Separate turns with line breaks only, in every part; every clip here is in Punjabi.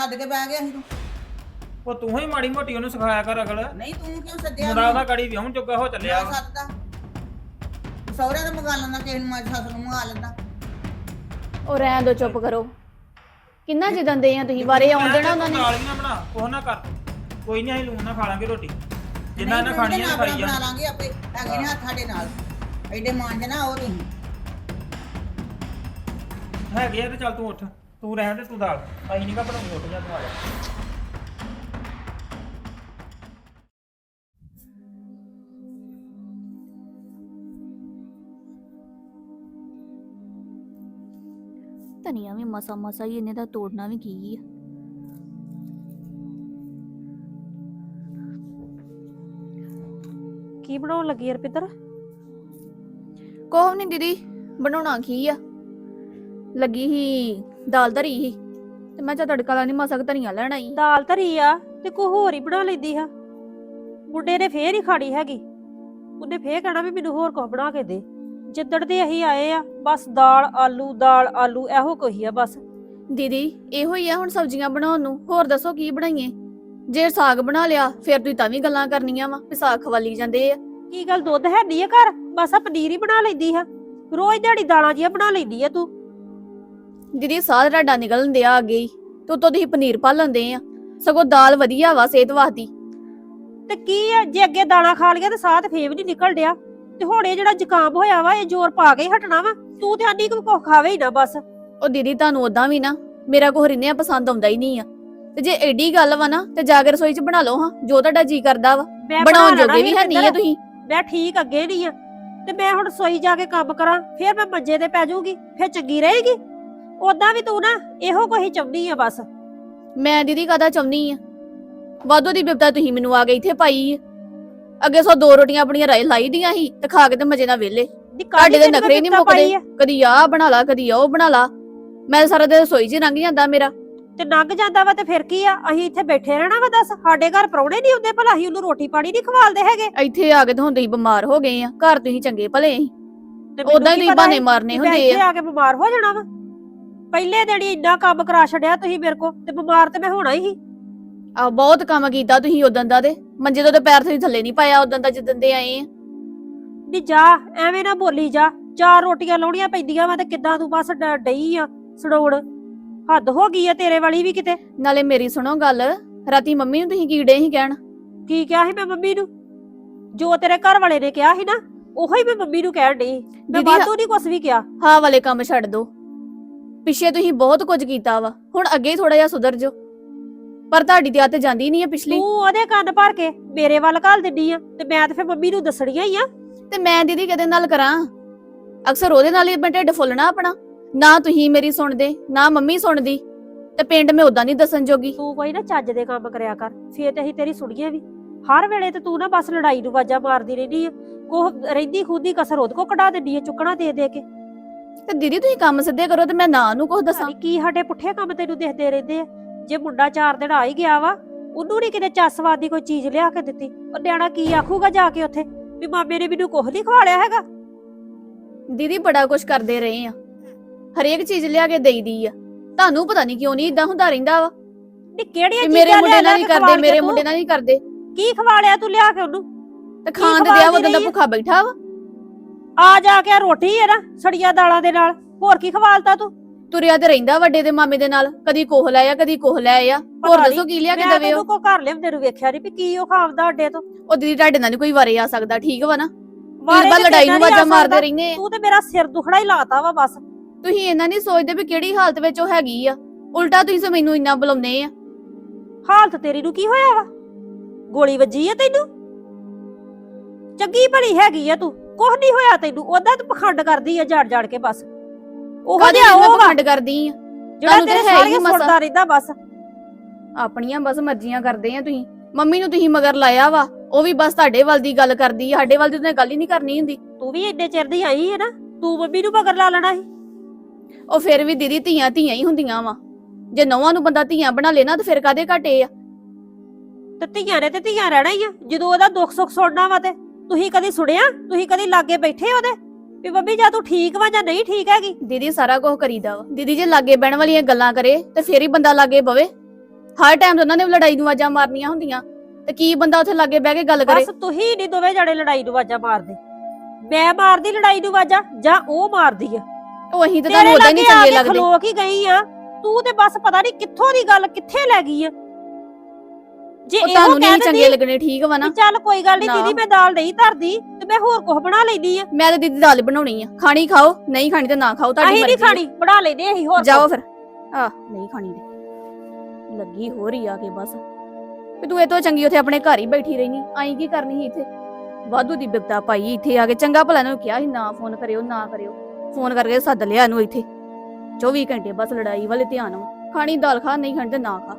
ਛੱਡ ਕੇ ਬਹਿ ਗਿਆ ਸੀ ਤੂੰ।
ਉਹ ਤੂੰ ਹੀ ਮਾੜੀ ਮੋਟੀ ਉਹਨੂੰ ਸਿਖਾਇਆ ਕਰ ਅਕਲ।
ਨਹੀਂ ਤੂੰ ਕਿਉਂ ਸੱਦਿਆ
ਮੁੰਡਾ ਉਹਦਾ ਗਾੜੀ ਵਿਆਹਣ ਚੁੱਕਾ ਹੋ ਚੱਲਿਆ ਵਾ।
ਸੱਦਦਾ ਸਹੁਰੇ ਦਾ ਮੰਗਾ ਲੈਂਦਾ, ਕਿਸੇ ਨੂੰ ਮਾਂ ਸੱਸ ਨੂੰ ਮੰਗਾ ਲੈਂਦਾ।
ਉਹ ਰਹਿਣ ਦੋ, ਚੁੱਪ ਕਰੋ। ਕਿੰਨਾ ਜਿੱਦਾਂ ਦੇ ਆ ਤੁਸੀਂ ਵਾਰੇ ਆਉਣ ਦੇਣਾ ਉਹਨਾਂ ਨੇ।
ਨਾਲੀਆਂ ਬਣਾ ਕੋਹ ਨਾ ਕਰ, ਕੋਈ ਨਹੀਂ ਅਸੀਂ ਲੂਣ ਨਾ ਖਾ ਲਾਂਗੇ ਰੋਟੀ ਜਿੰਨਾ ਇਹਨਾਂ ਖਾਣੀਆਂ ਨੇ ਖਾਈ
ਬਣਾ
ਜਾਣ।
ਲਾਂਗੇ ਆਪੇ, ਹੈਗੇ ਨੇ ਹੱਥ ਸਾਡੇ ਨਾਲ ਐਡੇ ਮਾਂਜ ਨਾ ਉਹ ਤੁਸੀਂ।
ਹੈਗੇ ਆ ਤੇ ਚੱਲ ਤੂੰ ਉੱਠ, ਤੂੰ ਰਹਿਣ ਦੇ, ਤੂੰ ਦਾਲ ਅਸੀਂ ਨਹੀਂ ਕਾ ਬਣਾਉਂਦੇ, ਉੱਠ ਜਾ ਤੂੰ ਆ ਜਾ।
ਧਨੀਆ ਵੀ ਮਸਾ ਮਸਾ ਹੀ ਇਹਨੇ ਦਾ ਤੋੜਨਾ ਵੀ ਕੀ ਆ।
ਕੀ ਬਣਾਉਣ ਲੱਗੀ ਯਾਰ ਪਿੱਤਰ?
ਕੋਹ ਨਹੀਂ ਦੀਦੀ, ਬਣਾਉਣਾ ਕੀ ਆ। ਲੱਗੀ ਹੀ ਦਾਲ ਧਰੀ ਹੀ ਤੇ ਮੈਂ ਚਾ ਤੜਕਾ ਲਾਣੀ ਮਸਾ ਧਨੀਆ ਲੈਣ ਆਈ।
ਦਾਲ ਧਰੀ ਆ ਤੇ ਕੋਈ ਹੋਰ ਹੀ ਬਣਾ ਲੈਂਦੀ ਆ। ਮੁੰਡੇ ਨੇ ਫੇਰ ਹੀ ਖਾਣੀ ਹੈਗੀ, ਉਹਨੇ ਫੇਰ ਕਹਿਣਾ ਵੀ ਮੈਨੂੰ ਹੋਰ ਕੁਝ ਬਣਾ ਕੇ ਦੇ। ਜਿੱਦੜ ਦੇ ਅਸੀਂ ਆਏ ਆ ਬਸ ਦਾਲ ਆਲੂ ਇਹੋ ਕੋਈ ਆ ਬਸ।
ਦੀਦੀ ਇਹੋ ਹੀ ਆ ਹੁਣ ਸਬਜ਼ੀਆਂ ਬਣਾਉਣ ਨੂੰ, ਹੋਰ ਦੱਸੋ ਕੀ ਬਣਾਈਏ। ਜੇ ਸਾਗ ਬਣਾ ਲਿਆ ਫਿਰ ਤੁਸੀਂ ਤਾਂ ਵੀ ਗੱਲਾਂ ਕਰਨੀਆਂ ਵਾ ਵੀ ਸਾਗ ਖਵਾਲੀ ਜਾਂਦੇ ਆ।
ਕੀ ਗੱਲ ਦੁੱਧ ਹੈ ਨਹੀਂ ਆ ਘਰ? ਬਸ ਆ ਪਨੀਰ ਹੀ ਬਣਾ ਲੈਂਦੀ ਆ, ਰੋਜ਼ ਦਿਹਾੜੀ ਦਾਲਾਂ ਜੀਆਂ ਬਣਾ ਲੈਂਦੀ ਆ ਤੂੰ।
ਦੀਦੀ ਸਾਹ ਤੁਹਾਡਾ ਨਿਕਲਣ ਦਿਆ ਅੱਗੇ ਹੀ ਤੂੰ ਤੁਸੀਂ ਪਨੀਰ ਪਾ ਲੈਂਦੇ ਆ। ਸਗੋਂ ਦਾਲ ਵਧੀਆ ਵਾ ਸਿਹਤ ਵਾਸਤੇ।
ਤੇ ਕੀ ਆ ਜੇ ਅੱਗੇ ਦਾਣਾ ਖਾ ਲਿਆ ਤੇ ਸਾਹ ਤੇ ਫੇਰ ਵੀ ਨਹੀਂ ਨਿਕਲ ਡਿਆ, ਤੇ ਹੁਣ ਇਹ ਜਿਹੜਾ ਜ਼ੁਕਾਮ ਹੋਇਆ ਵਾ ਇਹ ਜ਼ੋਰ ਪਾ ਕੇ ਹੀ ਹਟਣਾ ਵਾ। ਤੂੰ ਤੇ ਆਨੀ ਕੁ ਖਾਵੇ ਹੀ ਨਾ ਬਸ।
ਉਹ ਦੀਦੀ ਤੁਹਾਨੂੰ ਉਦਾਂ ਵੀ ਨਾ ਮੇਰਾ ਕੋਹ ਰਿੰਨਿਆ ਪਸੰਦ ਆਉਂਦਾ ਹੀ ਨਹੀਂ ਆ। ਤੇ ਜੇ ਐਡੀ ਗੱਲ ਵਾ ਨਾ ਤੇ ਜਾ ਕੇ ਰਸੋਈ 'ਚ ਬਣਾ ਲਓ ਹਾਂ ਜੋ ਤੁਹਾਡਾ ਜੀ ਕਰਦਾ ਵਾ।
ਮੈਂ
ਬਣਾਉਣ ਜੋਗੇ ਵੀ ਹੈ ਨਹੀਂ ਆ ਤੁਸੀਂ।
ਮੈਂ ਠੀਕ ਅੱਗੇ ਨਹੀਂ ਆ ਤੇ ਮੈਂ ਹੁਣ ਰਸੋਈ ਜਾ ਕੇ ਕੰਮ ਕਰਾਂ ਫੇਰ ਮੈਂ ਮੰਜੇ ਤੇ ਪੈ ਜਾਊਗੀ, ਫੇਰ ਚੰਗੀ ਰਹੇਗੀ। ਉਦਾਂ ਵੀ ਤੂੰ ਨਾ ਇਹੋ ਕੋਈ ਚਾਹੁੰਦੀ ਆ ਬਸ।
ਮੈਂ ਦੀਦੀ ਕਾਹਦਾ ਚਾਹੁੰਦੀ ਆ, ਵਾਧੂ ਦੀ ਬਿਪਤਾ ਤੁਸੀਂ ਮੈਨੂੰ ਆ ਕੇ ਇੱਥੇ ਪਾਈ ਆ। ਅੱਗੇ ਸੋ ਦੋ ਰੋਟੀਆਂ ਆਪਣੀਆਂ ਲਾਈ ਦੀਆਂ ਸੀ ਤੇ ਖਾ ਕੇ ਤੇ ਮਜੇ ਨਾਲ ਵਿਹਲੇ। ਤੁਹਾਡੇ ਦੇ ਨਖਰੇ ਨਹੀਂ ਮੁੱਕਦੇ, ਕਦੀ ਆਹ ਬਣਾ ਲਾ ਕਦੀ ਉਹ ਬਣਾ ਲਾ। ਮੈਂ ਸਾਰਾ ਦਿਨ ਰਸੋਈ 'ਚ ਲੰਘ ਜਾਂਦਾ ਮੇਰਾ।
ਤੇ ਲੰਘ ਜਾਂਦਾ ਵਾ ਤੇ ਫਿਰ ਕੀ ਆ, ਅਸੀਂ ਇੱਥੇ ਬੈਠੇ ਰਹਿਣਾ ਵਾ? ਦੱਸ ਸਾਡੇ ਘਰ ਪ੍ਰਾਹੁਣੇ ਨਹੀਂ ਹੁੰਦੇ ਭਲਾ ਅਸੀਂ ਉਹਨੂੰ ਰੋਟੀ ਪਾਣੀ ਨਹੀਂ ਖਵਾਲਦੇ ਹੈਗੇ?
ਇੱਥੇ ਆ ਕੇ ਤਾਂ ਹੁਣ ਤੁਸੀਂ ਬਿਮਾਰ ਹੋ ਗਏ ਆ, ਘਰ ਤੁਸੀਂ ਚੰਗੇ ਭਲੇ ਸੀ।
ਤੇ ਮੈਨੂੰ
ਉਦਾਂ
ਕੀ
ਹੀ
ਪਤਾ
ਬਹਾਨੇ
ਸੀ
ਮਾਰਨੇ
ਕਿ ਮੈਂ
ਹੁੰਦੇ
ਇੱਥੇ
ਆ।
ਆ ਕੇ ਬਿਮਾਰ ਹੋ ਜਾਣਾ ਵਾ? ਪਹਿਲੇ ਦਿਨ ਹੀ ਇੰਨਾ ਕੰਮ ਕਰਾ ਛੱਡਿਆ ਤੁਸੀਂ ਮੇਰੇ ਕੋ, ਤੇ ਬਿਮਾਰ ਤੇ ਮੈਂ ਹੋਣਾ ਹੀ।
ਆ ਬਹੁਤ ਕੰਮ ਕੀਤਾ ਤੁਸੀਂ ਉਦੋਂ ਦਾ, ਤੇ ਮੰਜੇ ਤੋਂ ਤੇ ਪੈਰ ਤੁਸੀਂ ਥੱਲੇ ਨਹੀਂ ਪਾਇਆ ਉਦੋਂ ਦਾ ਜਿੱਦਣ ਦੇ ਆਏ ਆ।
ਨੀ ਜਾ ਐਵੇਂ ਨਾ ਬੋਲੀ ਜਾ, 4 ਰੋਟੀਆਂ ਲਾਉਣੀਆਂ ਪੈਂਦੀਆਂ ਵਾ ਤੇ ਕਿੱਦਾਂ ਤੂੰ ਬਸ ਡਈ ਆ ਸੜੋੜ। ਹੱਦ ਹੋ ਗਈ ਆ ਤੇਰੇ ਵਾਲੀ ਵੀ ਕਿਤੇ।
ਨਾਲੇ ਮੇਰੀ ਸੁਣੋ ਗੱਲ, ਰਾਤੀ ਮੰਮੀ ਨੂੰ ਤੁਸੀਂ ਕੀੜੇ ਹੀ ਕਹਿਣ।
ਕੀ ਕਿਹਾ ਸੀ ਮੈਂ ਮੰਮੀ ਨੂੰ? ਜੋ ਤੇਰੇ ਘਰ ਵਾਲੇ ਨੇ ਕਿਹਾ ਸੀ ਨਾ ਉਹੋ ਹੀ ਮੈਂ ਮੰਮੀ ਨੂੰ ਕਹਿਣ ਡਈ। ਮੈਂ ਵਾਧੂ ਨਹੀਂ ਕੁਛ ਵੀ ਕਿਹਾ।
ਹਾਂ ਵਾਲੇ ਕੰਮ ਛੱਡ ਦੋ, ਪਿੱਛੇ ਤੁਸੀਂ ਬਹੁਤ ਕੁਝ ਕੀਤਾ ਵਾ, ਹੁਣ ਅੱਗੇ ਥੋੜਾ ਜਿਹਾ ਸੁਧਰ ਜਾਓ। ਪਰ ਤੁਹਾਡੀ ਤੇ ਆਦਤ ਜਾਂਦੀ ਨਹੀਂ ਆ ਪਿਛਲੀ।
ਤੂੰ ਉਹਦੇ ਕੰਨ ਭਰ ਕੇ ਮੇਰੇ ਵੱਲ ਘੱਲ ਦਿੰਦੀ ਆ ਤੇ ਮੈਂ ਤੇ ਫਿਰ ਮੰਮੀ ਨੂੰ ਦੱਸਣੀਆਂ ਹੀ ਆ।
ਤੇ ਮੈਂ ਦੀਦੀ ਕਿਹਦੇ ਨਾਲ ਕਰਾਂ? ਅਕਸਰ ਉਹਦੇ ਨਾਲ ਹੀ ਮੈਂ ਢਿੱਡ ਫੁੱਲਣਾ ਆਪਣਾ। ਨਾ ਤੁਸੀਂ ਮੇਰੀ ਸੁਣਦੇ ਨਾ ਮੰਮੀ ਸੁਣਦੀ, ਤੇ ਪਿੰਡ ਮੈਂ ਉਦਾਂ ਨਹੀਂ ਦੱਸਣ ਜੋਗੀ।
ਤੂੰ ਕੋਈ ਨਾ ਚੱਜ ਦੇ ਕੰਮ ਕਰਿਆ ਕਰ, ਫੇਰ ਤੇ ਅਸੀਂ ਤੇਰੀ ਸੁਣੀਏ ਵੀ। ਹਰ ਵੇਲੇ ਤੇ ਤੂੰ ਨਾ ਬਸ ਲੜਾਈ ਨੂੰ ਵਾਜਾ ਮਾਰਦੀ ਰਹਿੰਦੀ ਆ। ਕੋਹ ਰਹਿੰਦੀ ਖੁਦੀ ਕਸਰ ਉਹਦੇ ਕੋ ਕਢਾ ਦਿੰਦੀ ਆ ਚੁੱਕਣਾ ਦੇ ਦੇ ਕੇ।
ਤੇ ਦੀਦੀ ਤੁਸੀਂ ਕੰਮ ਸਿੱਧੇ ਕਰੋ ਤੇ ਮੈਂ ਨਾ ਨੂੰ ਕੁਝ ਦੱਸਾਂ।
ਕੀ ਸਾਡੇ ਪੁੱਠੇ ਕੰਮ ਤੈਨੂੰ ਦਿਖਦੇ ਰਹਿੰਦੇ ਆ? ਜੇ ਮੁੰਡਾ 4 ਦਿਨ ਆ ਹੀ ਗਿਆ ਵਾ, ਉਹਨੂੰ ਨੀ ਕਿਤੇ ਚੱਸਵਾਦ ਦੀ ਕੋਈ ਚੀਜ਼ ਲਿਆ ਕੇ ਦਿੱਤੀ, ਉਹ ਨਿਆਣਾ ਕੀ ਆਖੂਗਾ ਜਾ ਕੇ ਉੱਥੇ ਵੀ ਮਾਮੇ ਨੇ ਮੈਨੂੰ ਕੁਝ ਨਹੀਂ ਖਵਾ ਲਿਆ ਹੈਗਾ?
ਦੀਦੀ ਬੜਾ ਕੁਝ ਕਰਦੇ ਰਹੇ ਆ, ਹਰੇਕ ਚੀਜ਼ ਲਿਆ ਕੇ ਦੇਈਦੀ ਆ। ਤੁਹਾਨੂੰ ਪਤਾ ਨਹੀਂ ਕਿਉਂ ਨਹੀਂ ਇਦਾਂ ਹੁੰਦਾ ਰਹਿੰਦਾ ਵਾ।
ਨੀ ਕਿਹੜੀਆਂ ਚੀਜ਼ਾਂ
ਮੇਰੇ ਮੁੰਡੇ ਨਾਲ
ਲਿਆ
ਨਹੀਂ
ਕੇ
ਕਰਦੇ, ਮੇਰੇ
ਤੂੰ?
ਮੁੰਡੇ ਨਾਲ ਨਹੀਂ ਕਰਦੇ।
ਕੀ ਖਵਾ ਲਿਆ ਤੂੰ ਲਿਆ ਕੇ ਉਹਨੂੰ?
ਤੇ ਖਾਣ ਦੇ ਦਿਆ ਉਦੋਂ ਦਾ ਭੁੱਖਾ ਬੈਠਾ ਵਾ।
ਆ ਜਾ ਕੇ ਰੋਟੀ ਹੈ ਨਾ ਸੜੀਆਂ ਦਾਲਾਂ ਦੇ ਨਾਲ, ਹੋਰ ਕੀ ਖਵਾਲਤਾ ਤੂੰ?
ਤੁਰਿਆ ਤੇ ਰਹਿੰਦਾ ਵੱਡੇ ਦੇ ਮਾਮੇ ਦੇ ਨਾਲ, ਕਦੀ ਕੋਹ ਲੈ ਆ ਕਦੀ ਕੋਹ ਲੈ ਆ। ਹੋਰ ਦੱਸੋ ਕੀ ਲਿਆ ਕੇ ਦੇਵੇ?
ਮੈਂ ਤੈਨੂੰ ਕੋ ਘਰ ਲਿਆਉਂਦੇ ਨੂੰ ਵੇਖਿਆ ਨਹੀਂ ਵੀ ਕੀ ਉਹ ਖਾਵਦਾ ਅੱਡੇ ਤੋਂ।
ਉਹ ਦੀਦੀ ਤੁਹਾਡੇ ਨਾਲ ਨੀ ਕੋਈ ਵਾਰੇ ਆ ਸਕਦਾ, ਠੀਕ ਵਾ ਨਾ?
ਵਾਰੇ
ਬਾ
ਤੇ
ਲੜਾਈ
ਤੇਰੇ
ਨੂੰ
ਨਾਲ
ਵਾਜਾ
ਨੀ
ਮਾਰਦੇ
ਆ
ਰਹਿੰਦੇ।
ਤੂੰ ਤੇ ਮੇਰਾ ਸਿਰ ਦੁਖੜਾ ਹੀ ਲਾਤਾ ਵਾ ਬਸ।
ਤੁਸੀਂ ਇਹਨਾਂ ਨਹੀਂ ਸੋਚਦੇ ਵੀ ਕਿਹੜੀ ਹਾਲਤ ਵਿੱਚ ਉਹ ਹੈਗੀ ਆ, ਉਲਟਾ ਤੁਸੀਂ ਮੈਨੂੰ ਇੰਨਾ ਬੁਲਾਉਂਦੇ ਆ।
ਹਾਲਤ ਤੇਰੀ ਨੂੰ ਕੀ ਹੋਇਆ ਵਾ? ਗੋਲੀ ਵੱਜੀ ਆ ਤੈਨੂੰ? ਚੰਗੀ ਭਲੀ ਹੈਗੀ ਆ ਤੂੰ, ਕੁਝ ਨਹੀਂ ਹੋਇਆ ਤੈਨੂੰ। ਉਹਦਾ ਤੂੰ ਪਖੰਡ ਕਰਦੀ ਆ ਜੜ ਜੜ ਕੇ ਬਸ। ਉਹ ਜਿਹਾ ਉਹ ਵਾ
ਖੰਡ ਕਰਦੀ ਆ
ਜਿਹੜਾ ਤੇਰੇ ਸਾਰੀਆਂ ਸੁਣਦਾ ਰਹਿੰਦਾ ਬਸ।
ਆਪਣੀਆਂ ਬਸ ਮਰਜ਼ੀਆਂ ਕਰਦੇ ਆ ਤੁਸੀਂ। ਮੰਮੀ ਨੂੰ ਤੁਸੀਂ ਮਗਰ ਲਾਇਆ ਵਾ, ਉਹ ਵੀ ਬਸ ਤੁਹਾਡੇ ਵੱਲ ਦੀ ਗੱਲ ਕਰਦੀ ਆ, ਸਾਡੇ ਵੱਲ ਦੀ ਉਹਨੇ ਗੱਲ ਹੀ ਨਹੀਂ ਕਰਨੀ ਹੁੰਦੀ।
ਤੂੰ ਵੀ ਇੰਨੇ ਚਿਰ ਦੀ ਆਈ ਹੈ ਨਾ, ਤੂੰ ਮੰਮੀ ਨੂੰ ਮਗਰ ਲਾ ਲੈਣਾ ਸੀ।
ਉਹ ਫਿਰ ਵੀ ਦੀਦੀ ਧੀਆਂ ਧੀਆਂ ਹੀ ਹੁੰਦੀਆਂ ਵਾ। ਜੇ ਨੌਵਾਂ ਨੂੰ ਬੰਦਾ ਧੀਆਂ ਬਣਾ ਲੈਣਾ ਤੇ ਫਿਰ ਕਾਦੇ ਘਾਟੇ ਆ?
ਤੇ ਧੀਆਂ ਨੇ ਤੇ ਧੀਆਂ ਰਹਿਣਾ ਹੀ ਆ। ਜਦੋਂ ਉਹਦਾ ਦੁੱਖ ਸੁੱਖ ਸੁਣਨਾ ਵਾ ਤੇ ਤੁਸੀਂ ਕਦੀ ਸੁਣਿਆ? ਤੁਸੀਂ ਕਦੀ ਲਾਗੇ ਬੈਠੇ ਉਹਦੇ ਵੀ ਮੰਮੀ ਜਾਂ ਤੂੰ ਠੀਕ ਵਾ ਜਾਂ ਨਹੀਂ ਠੀਕ ਹੈਗੀ?
ਦੀਦੀ ਸਾਰਾ ਕੁਝ ਕਰੀਦਾ ਵਾ। ਦੀਦੀ ਜੇ ਲਾਗੇ ਬਹਿਣ ਵਾਲੀਆਂ ਗੱਲਾਂ ਕਰੇ ਤੇ ਫੇਰ ਹੀ ਬੰਦਾ ਲਾਗੇ ਬਵੇ। ਹਰ ਟਾਈਮ ਉਹਨਾਂ ਨੇ ਲੜਾਈ ਨੂੰ ਆਵਾਜ਼ਾਂ ਮਾਰਨੀਆਂ ਹੁੰਦੀਆਂ ਤੇ ਕੀ ਬੰਦਾ ਉੱਥੇ ਲਾਗੇ ਬਹਿ ਕੇ ਗੱਲ ਕਰੇ।
ਬਸ ਤੁਸੀਂ ਨਹੀਂ ਦੋਵੇਂ ਜਣੇ ਲੜਾਈ ਨੂੰ ਆਵਾਜ਼ਾਂ ਮਾਰਦੇ, ਮੈਂ ਮਾਰਦੀ ਲੜਾਈ ਨੂੰ ਆਵਾਜ਼ਾਂ ਜਾਂ ਉਹ ਮਾਰਦੀ ਆ।
ਉਹ ਅਸੀਂ ਤੇ ਤੁਹਾਨੂੰ ਉਦਾਂ ਹੀ ਨਹੀਂ ਚੰਗੇ ਲੱਗਦੇ।
ਖਲੋ ਕੇ ਗਈ ਆ ਤੂੰ ਤੇ ਬਸ ਪਤਾ ਨਹੀਂ ਕਿੱਥੋਂ ਦੀ ਗੱਲ ਕਿੱਥੇ ਲੈ ਗਈ ਆ। ਜੇ
ਉਹ
ਇਹੋ
ਤੁਹਾਨੂੰ ਨਹੀਂ
ਕਹਿ
ਚੰਗੇ
ਦਿੰਦੀ
ਲੱਗਣੇ, ਠੀਕ ਵਾ ਨਾ।
ਵੀ ਚੱਲ ਕੋਈ ਗੱਲ ਨਹੀਂ
ਨਾ।
ਦੀਦੀ ਮੈਂ ਦਾਲ ਨਹੀਂ ਧਰਦੀ ਤੇ ਮੈਂ ਹੋਰ ਕੁਝ ਬਣਾ ਲੈਂਦੀ ਆ।
ਮੈਂ ਤੇ ਦੀਦੀ ਦਾਲ ਬਣਾਉਣੀ ਆ, ਖਾਣੀ ਖਾਓ, ਨਹੀਂ ਖਾਣੀ ਤੇ ਨਾ ਖਾਓ, ਤੁਹਾਡੀ
ਅਸੀਂ
ਮਰਜ਼ੀ
ਨਹੀਂ ਖਾਣੀ, ਬਣਾ ਲੈਂਦੇ ਅਸੀਂ ਹੋਰ
ਜਾਓ ਫਿਰ। ਨਹੀਂ ਖਾਣੀ ਤੇ ਲੱਗੀ ਹੋ ਰਹੀ ਆ ਕੇ ਬਸ ਵੀ ਤੂੰ ਇਹ ਤੋਂ ਚੰਗੀ ਉੱਥੇ ਆਪਣੇ ਘਰ ਹੀ ਬੈਠੀ ਰਹਿਨੀ, ਆਈ ਕੀ ਕਰਨੀ ਸੀ ਇੱਥੇ? ਵਾਧੂ ਦੀ ਬਿਪਤਾ ਪਾਈ ਇੱਥੇ ਆ ਕੇ। ਚੰਗਾ ਭਲਾ ਨੂੰ ਕਿਹਾ ਸੀ ਨਾ ਫੋਨ ਕਰਿਓ ਨਾ ਕਰਿਓ, ਫੋਨ ਕਰਕੇ ਸੱਦ ਲਿਆ ਇਹਨੂੰ ਇੱਥੇ। 24 ਘੰਟੇ ਬਸ ਲੜਾਈ ਵਾਲੇ ਧਿਆਨ ਵਾ। ਖਾਣੀ ਦਾਲ ਖਾ, ਨਹੀਂ ਖਾਣੀ ਤੇ ਨਾ ਖਾ।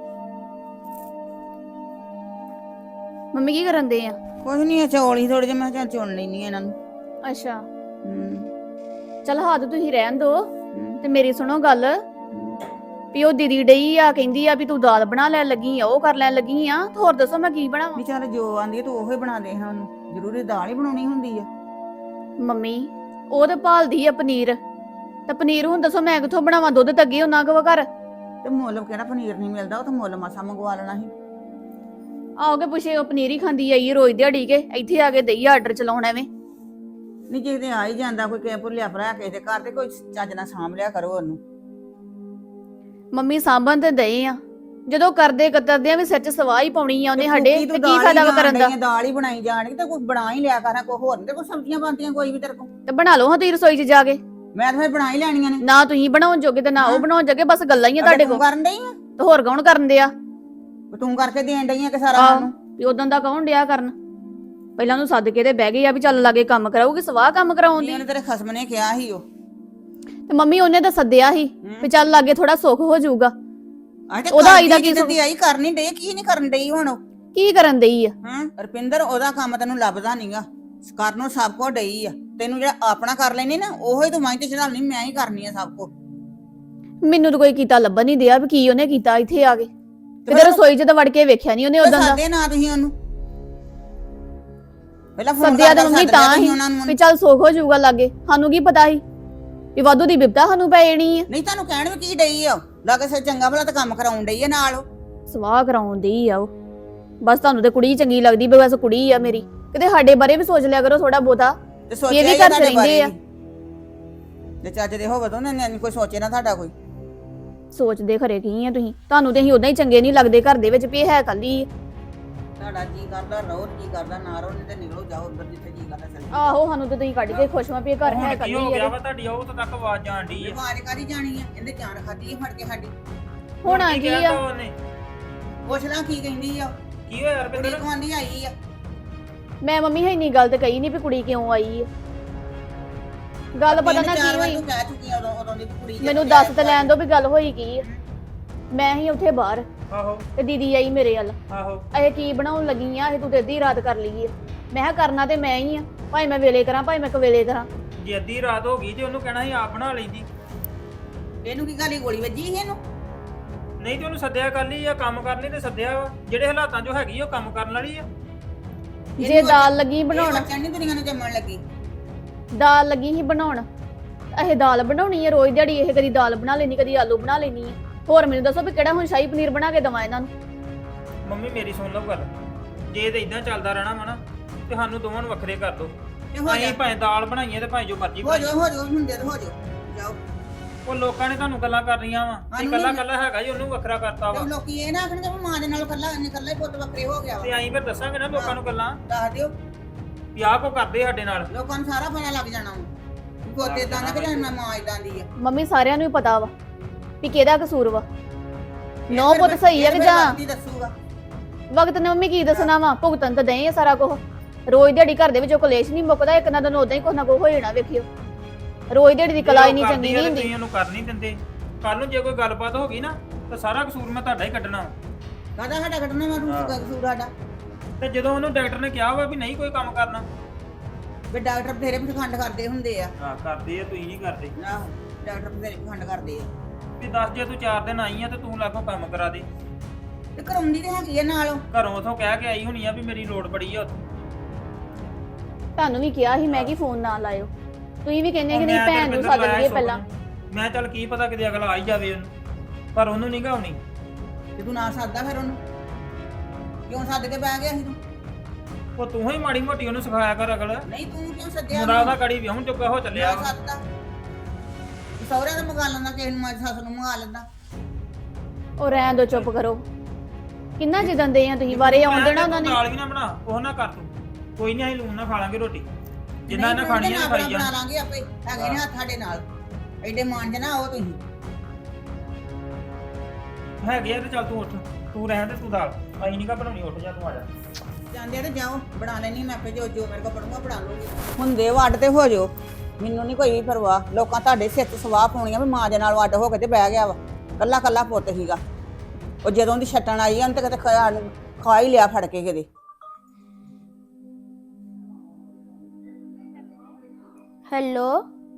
ਮੰਮੀ ਕੀ ਕਰਨ ਦੇ ਆ?
ਕੁਝ ਨਹੀਂ, ਚੌਲ ਹੀ ਥੋੜੇ ਜਿਹੇ, ਮੈਂ ਕਿਹਾ ਚੁਣ ਲੈਣੀ ਇਹਨਾਂ ਨੂੰ।
ਅੱਛਾ
ਹੂੰ
ਚਲ ਹੱਥ ਤੁਸੀਂ ਰਹਿਣ ਦੋ ਤੇ ਮੇਰੀ ਸੁਣੋ ਗੱਲ ਵੀ ਉਹ ਦੀਦੀ ਡਈ ਆ ਕਹਿੰਦੀ ਆ ਵੀ ਤੂੰ ਦਾਲ ਬਣਾ ਲੈਣ ਲੱਗੀ ਆ, ਉਹ ਕਰ ਲੈਣ ਲੱਗੀ ਆ। ਹੋਰ ਦੱਸੋ ਮੈਂ ਕੀ ਬਣਾਵਾਂ?
ਵੀ ਚੱਲ ਜੋ ਆਂਦੀ ਤੂੰ ਉਹੀ ਬਣਾ ਦੇ ਹਾਂ ਉਹਨੂੰ, ਜ਼ਰੂਰੀ ਦਾਲ ਹੀ ਬਣਾਉਣੀ ਹੁੰਦੀ ਆ।
ਮੰਮੀ ਉਹ ਤੇ ਭਾਲਦੀ ਆ ਪਨੀਰ, ਤੇ ਪਨੀਰ ਹੁਣ ਦੱਸੋ ਮੈਂ ਕਿੱਥੋਂ ਬਣਾਵਾਂ? ਦੁੱਧ ਤਾਂ ਅੱਗੇ ਉਹਨਾਂ ਕੋਲ ਘਰ।
ਤੇ ਮੁੱਲ ਕਿਹੜਾ ਪਨੀਰ ਨਹੀਂ ਮਿਲਦਾ, ਉਹ ਤਾਂ ਮੁੱਲ ਮਾਸਾ ਮੰਗਵਾ ਲੈਣਾ ਸੀ।
ਆਓਗੇ ਪੁੱਛੇ ਉਹ ਪਨੀਰ ਹੀ ਖਾਂਦੀ ਆਈ ਰੋਜ਼ ਦਿਹਾੜੀ ਕੇ, ਇੱਥੇ ਆ ਕੇ ਦਈ ਆਰਡਰ ਚਲਾਉਣ ਐਵੇਂ।
ਨਹੀਂ ਜੇ ਤੇ ਆ ਹੀ ਜਾਂਦਾ ਕੋਈ ਕਿਸੇ ਭੁੱਲਿਆ ਭਰਾ ਕਿਸੇ ਦੇ ਘਰ ਤੇ ਕੋਈ ਚੱਜ ਨਾਲ ਸਾਂਭ ਲਿਆ ਕਰੋ ਉਹਨੂੰ।
ਮੰਮੀ ਸਾਂਭਣ ਤੇ ਦਏ ਆ, ਜਦੋਂ ਕਰਦੇ ਕਤਰਦਿਆਂ ਵੀ ਸਿਰ 'ਚ ਸਵਾਹ ਹੀ ਪਾਉਣੀ ਆ ਉਹਨੇ ਸਾਡੇ,
ਫੁਲਕੀ
ਤੇ
ਤੂੰ
ਕੀ
ਦਾਲ ਹੀ
ਫਾਇਦਾ ਵਾ
ਜਾਣ
ਕਰਨ ਦਾ?
ਡਈ ਆਂ, ਦਾਲ ਹੀ ਬਣਾਈ ਜਾਣਗੀ ਤੇ ਕੋਈ ਬਣਾ ਹੀ ਲਿਆ ਕਰਾਂ, ਕੋਈ ਹੋਰ ਨਹੀਂ ਤੇ ਕੋਈ ਸਬਜ਼ੀਆਂ ਬਣਦੀਆਂ ਕੋਈ ਵੀ ਤੇਰੇ ਕੋਲ।
ਤੇ ਬਣਾ ਲਓ ਹਾਂ ਤੁਸੀਂ ਰਸੋਈ 'ਚ ਜਾ ਕੇ।
ਮੈਂ ਤਾਂ ਫਿਰ ਬਣਾ ਹੀ ਲੈਣੀਆਂ ਨੇ।
ਨਾ ਤੁਸੀਂ ਬਣਾਉਣ ਜੋਗੇ ਤੇ ਨਾ ਉਹ ਬਣਾਉਣ ਜੋਗੇ, ਬਸ ਗੱਲਾਂ ਹੀ ਆ ਤੁਹਾਡੇ ਕੋਲ।
ਤੂੰ ਕਰਨ ਡਈ ਆ,
ਤੇ ਹੋਰ ਕੌਣ ਕਰਨ ਦਿਆ?
ਤੂੰ ਕਰਕੇ ਦੇਣ ਡਈ ਆ ਕਿ ਸਾਰਾ ਸਾਨੂੰ।
ਵੀ ਉਦੋਂ ਦਾ ਕੌਣ ਡਿਆ ਕਰਨ? ਪਹਿਲਾਂ ਉਹਨੂੰ ਸੱਦ ਕੇ ਤੇ ਬਹਿ ਗਈ ਆ ਵੀ ਚੱਲ ਲਾਗੇ ਕੰਮ ਕਰਾਊਗੀ, ਸਵਾਹ ਕੰਮ ਕਰਾਉਂਦੀ।
ਉਹਨੇ ਤੇਰੇ ਖਸਮ ਨੇ ਕਿਹਾ ਸੀ ਉਹ।
ਤੇ ਮੰਮੀ ਉਹਨੇ ਤਾਂ ਸੱਦਿਆ ਸੀ ਵੀ ਚੱਲ ਲਾਗੇ ਥੋੜਾ ਸੁੱਖ ਹੋ ਜਾਊਗਾ।
ਉਹਦਾ
ਉਹਦਾ ਆਈ ਦਾ ਕੀ
ਕੀ ਆਈ ਕਰਨੀ ਡਈ, ਕੀ ਨਹੀਂ ਕਰਨ ਡਈ ਹੁਣ ਉਹ?
ਕੀ ਕਰਨ ਦਈ ਆ?
ਰੁਪਿੰਦਰ ਉਹਦਾ ਕੰਮ ਤੈਨੂੰ ਲੱਭਦਾ ਨਹੀਂਗਾ, ਕਰਨੋਂ ਸਭ ਕੋ ਡਈ ਆ। ਤੈਨੂੰ ਜਿਹੜਾ ਆਪਣਾ ਕਰ ਲੈਣੀ ਨਾ ਉਹੋ ਹੀ ਤੂੰ ਮਾਈ ਤੇ ਚੜਾਉਣੀ, ਮੈਂ ਹੀ ਕਰਨੀ ਆ ਸਭ ਕੋ।
ਮੈਨੂੰ ਤਾਂ ਕੋਈ ਕੀਤਾ ਲੱਭਣ ਨਹੀਂ ਦਿਆ ਵੀ ਕੀ ਉਹਨੇ ਕੀਤਾ ਇੱਥੇ ਆ ਕੇ। ਕਿਤੇ ਰਸੋਈ 'ਚ ਤਾਂ ਵੜ ਕੇ ਵੇਖਿਆ ਨਹੀਂ ਉਹਨੇ ਉਦੋਂ ਦਾ।
ਸੱਦੇ ਨਾ ਤੁਸੀਂ ਉਹਨੂੰ, ਪਹਿਲਾਂ ਫੋਨ
ਸੱਦਿਆ ਤਾਂ
ਕਰ
ਮੰਮੀ ਤਾਂ ਹੀ ਵੀ ਚੱਲ ਸੁੱਖ ਹੋ ਜਾਊਗਾ ਲਾਗੇ। ਸਾਨੂੰ ਕੀ ਪਤਾ ਸੀ ਵੀ ਵਾਧੂ ਦੀ ਬਿਪਤਾ ਸਾਨੂੰ ਪੈ ਜਾਣੀ ਆ।
ਨਹੀਂ ਤੁਹਾਨੂੰ ਕਹਿਣ ਵੀ ਕੀ ਡਈ ਆ, ਲਾਗੇ ਸੇ ਚੰਗਾ ਭਲਾ ਤਾਂ ਕੰਮ ਕਰਾਉਣ ਡਈ ਆ ਨਾਲ ਉਹ।
ਸਵਾਹ ਕਰਾਉਣ ਡਈ ਆ ਉਹ। ਬਸ ਤੁਹਾਨੂੰ ਤੇ ਕੁੜੀ ਚੰਗੀ ਲੱਗਦੀ, ਬਸ ਕੁੜੀ ਆ ਮੇਰੀ। ਕਿਤੇ ਸਾਡੇ ਬਾਰੇ ਵੀ ਸੋਚ ਲਿਆ ਕਰੋ ਥੋੜਾ ਬਹੁਤਾ।
ਤੇ
ਇਹ
ਸੋਚਿਆ
ਵੀ
ਹੀ
ਘਰ 'ਚ
ਤੁਹਾਡੇ
ਰਹਿੰਦੇ ਆ।
ਜੇ ਚੱਜ ਦੇ ਹੋਵੇ ਤਾਂ ਉਹਨੇ ਕੋਈ ਸੋਚੇ ਨਾ ਤੁਹਾਡਾ ਕੋਈ।
ਸੋਚਦੇ ਖਰੇ ਕੀ ਆ ਤੁਸੀਂ? ਤੁਹਾਨੂੰ ਤੇ ਅਸੀਂ ਉਦਾਂ ਹੀ ਚੰਗੇ ਨਹੀਂ ਲੱਗਦੇ ਘਰ ਦੇ ਵਿੱਚ ਵੀ ਇਹ ਹੈ ਕੱਲੀ।
ਤੁਹਾਡਾ ਜੀ ਕਰਦਾ ਰਹੋ, ਜੀ ਕਰਦਾ ਨਾ ਰਹੋ, ਨਹੀਂ ਤੇ ਨਿਕਲੋ ਜਾਓ ਉੱਧਰ ਜਿੱਥੇ ਜੀ ਕਰਦਾ ਚੱਲ ਜਾਓ।
ਆਹੋ ਸਾਨੂੰ ਤੇ ਤੁਸੀਂ ਕੱਢ ਕੇ ਖੁਸ਼ ਵਾਂ ਵੀ ਇਹ ਘਰ ਹੈ
ਹੁਣ ਕੀ
ਕੱਲੀ
ਹੋ ਗਿਆ
ਆ।
ਵਾ ਤੁਹਾਡੀ ਉਹ ਤੱਕ ਆਵਾਜ਼ ਜਾਣ ਡਈ ਆ।
ਆਵਾਜ਼ ਕਾਦੀ ਜਾਣੀ ਆ, ਇਹਨੇ ਜਾਨ ਖਾਦੀ ਆ ਫੜ ਕੇ ਸਾਡੀ।
ਹੁਣ ਆ ਕੀ ਆ?
ਕਹਿਤਾ ਉਹਨੇ?
ਪੁੱਛ ਲਾਂ ਕੀ ਕਹਿੰਦੀ ਆ।
ਕੀ ਹੋਇਆ
ਕੁੜੀ
ਰੁਪਿੰਦਰ?
ਕਮਾਂਦੀ ਆਈ ਆ।
ਮੈਂ ਮੰਮੀ ਹੈ ਇੰਨੀ ਗੱਲ ਤੇ ਕਹੀ ਨਹੀਂ ਵੀ ਕੁੜੀ ਕਿਉਂ ਆਈ ਆ। ਗੱਲ ਪਤਾ ਨਾ ਕੀ ਹੋਈ।
ਤੂੰ ਕਹਿ ਚੁੱਕੀ ਆ ਉਦੋਂ ਦੀ ਕੁੜੀ ਦੇ
ਮੈਨੂੰ ਦੱਸ ਤੇ ਲੈਣ ਦੋ ਵੀ ਗੱਲ ਹੋਈ ਕੀ ਆ। ਮੈਂ ਹੀ ਉੱਥੇ ਬਾਹਰ
ਆਹੋ
ਤੇ ਦੀਦੀ ਆਈ ਮੇਰੇ ਵੱਲ।
ਆਹੋ
ਇਹ ਕੀ ਬਣਾਉਣ ਲੱਗੀ ਆ? ਇਹ ਤੂੰ ਤੇ ਅੱਧੀ ਰਾਤ ਕਰ ਲਈ ਆ। ਮੈਂ ਕਿਹਾ ਕਰਨਾ ਤੇ ਮੈਂ ਹੀ ਆ, ਭਾਵੇਂ ਮੈਂ ਵੇਲੇ ਕਰਾਂ ਭਾਵੇਂ ਮੈਂ ਕਵੇਲੇ ਕਰਾਂ।
ਜੇ ਅੱਧੀ ਰਾਤ ਹੋ ਗਈ ਤੇ ਉਹਨੂੰ ਕਹਿਣਾ ਸੀ ਆਪ ਬਣਾ ਲੈਂਦੀ।
ਇਹਨੂੰ ਕੀ ਗਾਲੀ ਗੋਲੀ ਵੱਜੀ ਸੀ ਇਹਨੂੰ?
ਨਹੀਂ ਤੇ ਉਹਨੂੰ ਸੱਦਿਆ ਕਰ ਲਈ ਆ, ਕੰਮ ਕਰਨ ਲਈ ਤੇ ਸੱਦਿਆ ਵਾ। ਜਿਹੜੇ ਹਾਲਾਤਾਂ 'ਚ ਹੈਗੀ ਉਹ ਕੰਮ ਕਰਨ ਵਾਲੀ ਆ।
ਜੇ ਦਾਲ ਲੱਗੀ ਬਣਾਉਣ,
ਚੰਨੀ ਦੁਨੀਆ ਨੂੰ ਜੰਮਣ ਲੱਗੀ।
ਦਾਲ ਲੱਗੀ ਸੀ ਬਣਾਉਣ, ਇਹ ਦਾਲ ਬਣਾਉਣੀ ਹੈ ਰੋਜ਼ ਦਿਹਾੜੀ। ਇਹ ਕਦੀ ਦਾਲ ਬਣਾ ਲੈਣੀ, ਕਦੀ ਆਲੂ ਬਣਾ ਲੈਣੀ ਹੈ। ਹੋਰ ਮੈਨੂੰ ਦੱਸੋ ਵੀ ਕਿਹੜਾ ਹੁਣ ਸ਼ਾਹੀ ਪਨੀਰ ਬਣਾ ਕੇ ਦਵਾਂ ਇਹਨਾਂ ਨੂੰ?
ਮੰਮੀ ਮੇਰੀ ਸੁਣ ਲਓ ਗੱਲ, ਜੇ ਤੇ ਇਦਾਂ ਚੱਲਦਾ ਰਹਿਣਾ ਵਾ ਨਾ ਤੇ ਸਾਨੂੰ ਦੋਵਾਂ ਨੂੰ ਵੱਖਰੇ ਕਰ ਦੋ।
ਤੇ ਹੋ ਜਾ
ਅਸੀਂ ਭਾਵੇਂ ਦਾਲ ਬਣਾਈਏ ਤੇ ਭਾਵੇਂ ਜੋ ਮਰਜ਼ੀ
ਹੋ
ਬਣਾਈਏ।
ਜਾ ਹੁੰਦੇ ਤੇ ਹੋ ਜਾ ਜਾਓ।
ਉਹ ਲੋਕਾਂ ਨੇ ਤੁਹਾਨੂੰ ਗੱਲਾਂ ਕਰ ਰਹੀਆਂ ਵਾ ਤੇ
ਸਾਨੂੰ
ਕੱਲਾ
ਨਹੀਂ-
ਕੱਲਾ ਹੈਗਾ ਜੀ ਉਹਨੂੰ ਵੱਖਰਾ ਕਰਤਾ ਵਾ।
ਤੇ ਲੋਕੀ ਇਹ ਨਾ ਆਖਣਗੇ ਵੀ ਮਾਂ ਦੇ ਨਾਲ ਕੱਲਾ ਨਿਕਲਦਾ ਹੀ ਪੁੱਤ ਵੱਖਰੇ ਹੋ ਗਿਆ ਵਾ।
ਤੇ ਅਸੀਂ ਫਿਰ ਦੱਸਾਂਗੇ ਨਾ ਲੋਕਾਂ ਨੂੰ ਗੱਲਾਂ
ਦੱਸ ਦਿਓ,
ਵੀ ਆਹ ਕੋ ਕਰਦੇ ਸਾਡੇ ਨਾਲ।
ਲੋਕਾਂ ਨੂੰ ਸਾਰਾ ਪਤਾ ਲੱਗ ਜਾਣਾ ਵਾ। ਪੋਤੇ ਇਦਾਂ ਦਾ ਕਿ ਜਾਣਾ ਮਾਂ ਇਦਾਂ ਦੀ ਆ।
ਮੰਮੀ ਸਾਰਿਆਂ ਨੂੰ ਹੀ ਪਤਾ ਵਾ ਵੀ ਕਿਹਦਾ ਕਸੂਰ ਵਾ। ਨੌ ਪੁੱਤ ਸਹੀ ਆ ਕਿ ਜਾਂ
ਕੀ ਦੱਸੂਗਾ?
ਵਕਤ ਨੇ ਮੰਮੀ ਕੀ ਦੱਸਣਾ ਵਾ? ਭੁਗਤਣ ਤਾਂ ਦਏ ਆ ਸਾਰਾ ਕੁਝ। ਰੋਜ਼ ਦਿਹਾੜੀ ਘਰ ਦੇ ਵਿੱਚੋਂ ਕਲੇਸ਼ ਨਹੀਂ ਮੁੱਕਦਾ। ਇੱਕ ਨਾ ਦਿਨ ਉਦਾਂ ਹੀ ਕੁਛ ਨਾ ਕੁਛ ਹੋ ਜਾਣਾ। ਵੇਖਿਓ ਰੋਜ਼ ਦਿਹਾੜੀ ਦੀ ਕਲਾ ਹੀ ਨਹੀਂ ਚੰਗੀ ਨਹੀਂ ਹੁੰਦੀ।
ਤੁਸੀਂ ਉਹਨੂੰ ਕਰ ਨਹੀਂ ਦਿੰਦੇ। ਕੱਲ ਨੂੰ ਜੇ ਕੋਈ ਗੱਲਬਾਤ ਹੋ ਗਈ ਨਾ ਤਾਂ ਸਾਰਾ ਕਸੂਰ ਮੈਂ ਤੁਹਾਡਾ ਹੀ ਕੱਢਣਾ।
ਕਾਹਦਾ ਸਾਡਾ ਕੱਢਣਾ? ਮੈਂ ਤੁਹਾਨੂੰ ਕਸੂਰ ਸਾਡਾ।
ਤੇ ਜਦੋਂ ਉਹਨੂੰ ਡਾਕਟਰ ਨੇ ਕਿਹਾ ਵਾ ਵੀ ਨਹੀਂ ਕੋਈ ਕੰਮ ਕਰਨਾ,
ਵੀ ਡਾਕਟਰ ਬਥੇਰੇ ਪਖੰਡ ਕਰਦੇ ਹੁੰਦੇ ਆ।
ਹਾਂ ਕਰਦੇ ਆ, ਤੁਸੀਂ ਨਹੀਂ ਕਰਦੇ।
ਆਹੋ ਡਾਕਟਰ ਬਥੇਰੇ ਪਖੰਡ ਕਰਦੇ ਆ।
ਵੀ ਦੱਸ ਜੇ ਤੂੰ 4 ਦਿਨ ਆਈ ਆ ਤੇ ਤੂੰ ਲਾਗੋਂ ਕੰਮ ਕਰਾ ਦੇ।
ਤੇ ਕਰਾਉਂਦੀ ਤੇ ਹੈਗੀ ਆ ਨਾਲ।
ਘਰੋਂ ਉਥੋਂ ਕਹਿ ਕੇ ਆਈ ਹੋਣੀ ਆ ਵੀ ਮੇਰੀ ਲੋੜ ਬੜੀ ਆ ਉੱਥੇ।
ਤੁਹਾਨੂੰ ਵੀ ਕਿਹਾ ਸੀ ਮੈਂ ਕਿ ਫੋਨ ਨਾ ਲਾਇਓ। ਤੁਸੀਂ ਵੀ ਕਹਿੰਦੇ ਕਿ ਨਹੀਂ
ਮੈਂ
ਭੈਣ ਨੂੰ
ਰੁਪਿੰਦਰ
ਸੱਦ
ਲਾਇਆ
ਲਈਏ
ਸੁੱਖ
ਪਹਿਲਾਂ।
ਨੂੰ। ਮੈਂ ਚੱਲ ਕੀ ਪਤਾ ਕਿਤੇ ਅਗਲਾ ਆ ਹੀ ਜਾਵੇ ਉਹਨੂੰ, ਪਰ ਉਹਨੂੰ ਨਹੀਂ ਗਾਉਣੀ।
ਤੇ ਤੂੰ ਨਾ ਸੱਦਦਾ ਫਿਰ ਉਹਨੂੰ ਕਿਉਂ ਸੱਦ ਕੇ ਬਹਿ ਗਿਆ ਸੀ ਤੂੰ
ਉਹ ਤੂੰ ਹੀ ਮਾੜੀ ਮੋਟੀ ਉਹਨੂੰ ਸਿਖਾਇਆ ਕਰ ਅਗਲ
ਨਹੀਂ ਤੂੰ ਕਿਉਂ ਸੱਦਿਆ
ਮੁੰਡਾ ਉਹਦਾ ਕੜੀ ਵਿਆਹਣ ਚੁੱਕਾ ਹੋ ਚੱਲਿਆ
ਲਿਆ ਸੱਦਦਾ ਸਹੁਰਿਆਂ ਦਾ ਮੰਗਾ ਲੈਂਦਾ ਕਿਸੇ ਨੂੰ ਮਾਂ ਸੱਸ ਨੂੰ ਮੰਗਾ ਲੈਂਦਾ
ਉਹ ਰਹਿਣ ਦੋ, ਚੁੱਪ ਕਰੋ। ਕਿੰਨਾ ਜਿੱਦਾਂ ਦੇ ਆ ਤੁਸੀਂ ਬਾਰੇ ਆਉਣ ਦੇਣਾ ਉਹਨਾਂ ਨੇ।
ਦਾਲ ਵੀ ਨਾ ਬਣਾ ਉਹ ਨਾ ਕਰ ਤੂੰ, ਕੋਈ ਨਹੀਂ ਅਸੀਂ ਲੂਣ ਨਾ ਖਾ ਲਾਂਗੇ ਰੋਟੀ ਜਿੰਨਾ ਇਹਨਾਂ
ਨਹੀਂ,
ਖਾਣੀ
ਤੂੰ
ਹੈ
ਤੇ
ਖਾਈ
ਬਣਾ
ਜਾਣ।
ਲਾਂਗੇ ਆਪੇ ਹੈਗੇ ਨੇ ਹੱਥ ਸਾਡੇ ਨਾਲ ਐਡੇ ਮਾਂਜ ਨਾ ਉਹ ਤੁਸੀਂ
ਹੈਗੇ ਆ ਤੇ ਚੱਲ ਤੂੰ ਉੱਠ, ਤੂੰ ਰਹਿਣ ਤੇ ਤੂੰ ਦਾਲ ਅਸੀਂ ਨਹੀਂ ਕਾ ਬਣਾਉਣੀ, ਉੱਠ ਜਾ ਤੂੰ ਆ ਜਾ।
ਜਾਂਦੇ ਆ ਤੇ ਜਾਓ ਬਣਾ ਲੈਣੀ ਮੈਂ ਆਪੇ ਜੋ ਮੇਰੇ ਕੋਲ ਪੜੂੰਗਾ ਬਣਾ ਲੂੰਗੀ ਹੁੰਦੇ ਵੱਡ ਤੇ ਹੋ ਜਾਓ ਮੈਨੂੰ ਨਹੀਂ ਕੋਈ ਵੀ ਪਰਵਾਹ। ਲੋਕਾਂ ਤੁਹਾਡੇ ਸਿਰ ਤੇ ਸਵਾਹ ਪਾਉਣੀਆਂ ਵੀ ਮਾਂ ਦੇ ਨਾਲ ਵੱਡ ਹੋ ਕੇ ਤੇ ਬਹਿ ਗਿਆ ਵਾ, ਕੱਲਾ ਕੱਲਾ ਪੁੱਤ ਸੀਗਾ। ਉਹ ਜਦੋਂ ਦੀ ਛੱਟਣ ਆਈ ਆ ਉਹਨੇ ਤੇ ਕਿਤੇ ਖਾ ਹੀ ਲਿਆ ਫੜ ਕੇ ਕਿਤੇ।
ਹੈਲੋ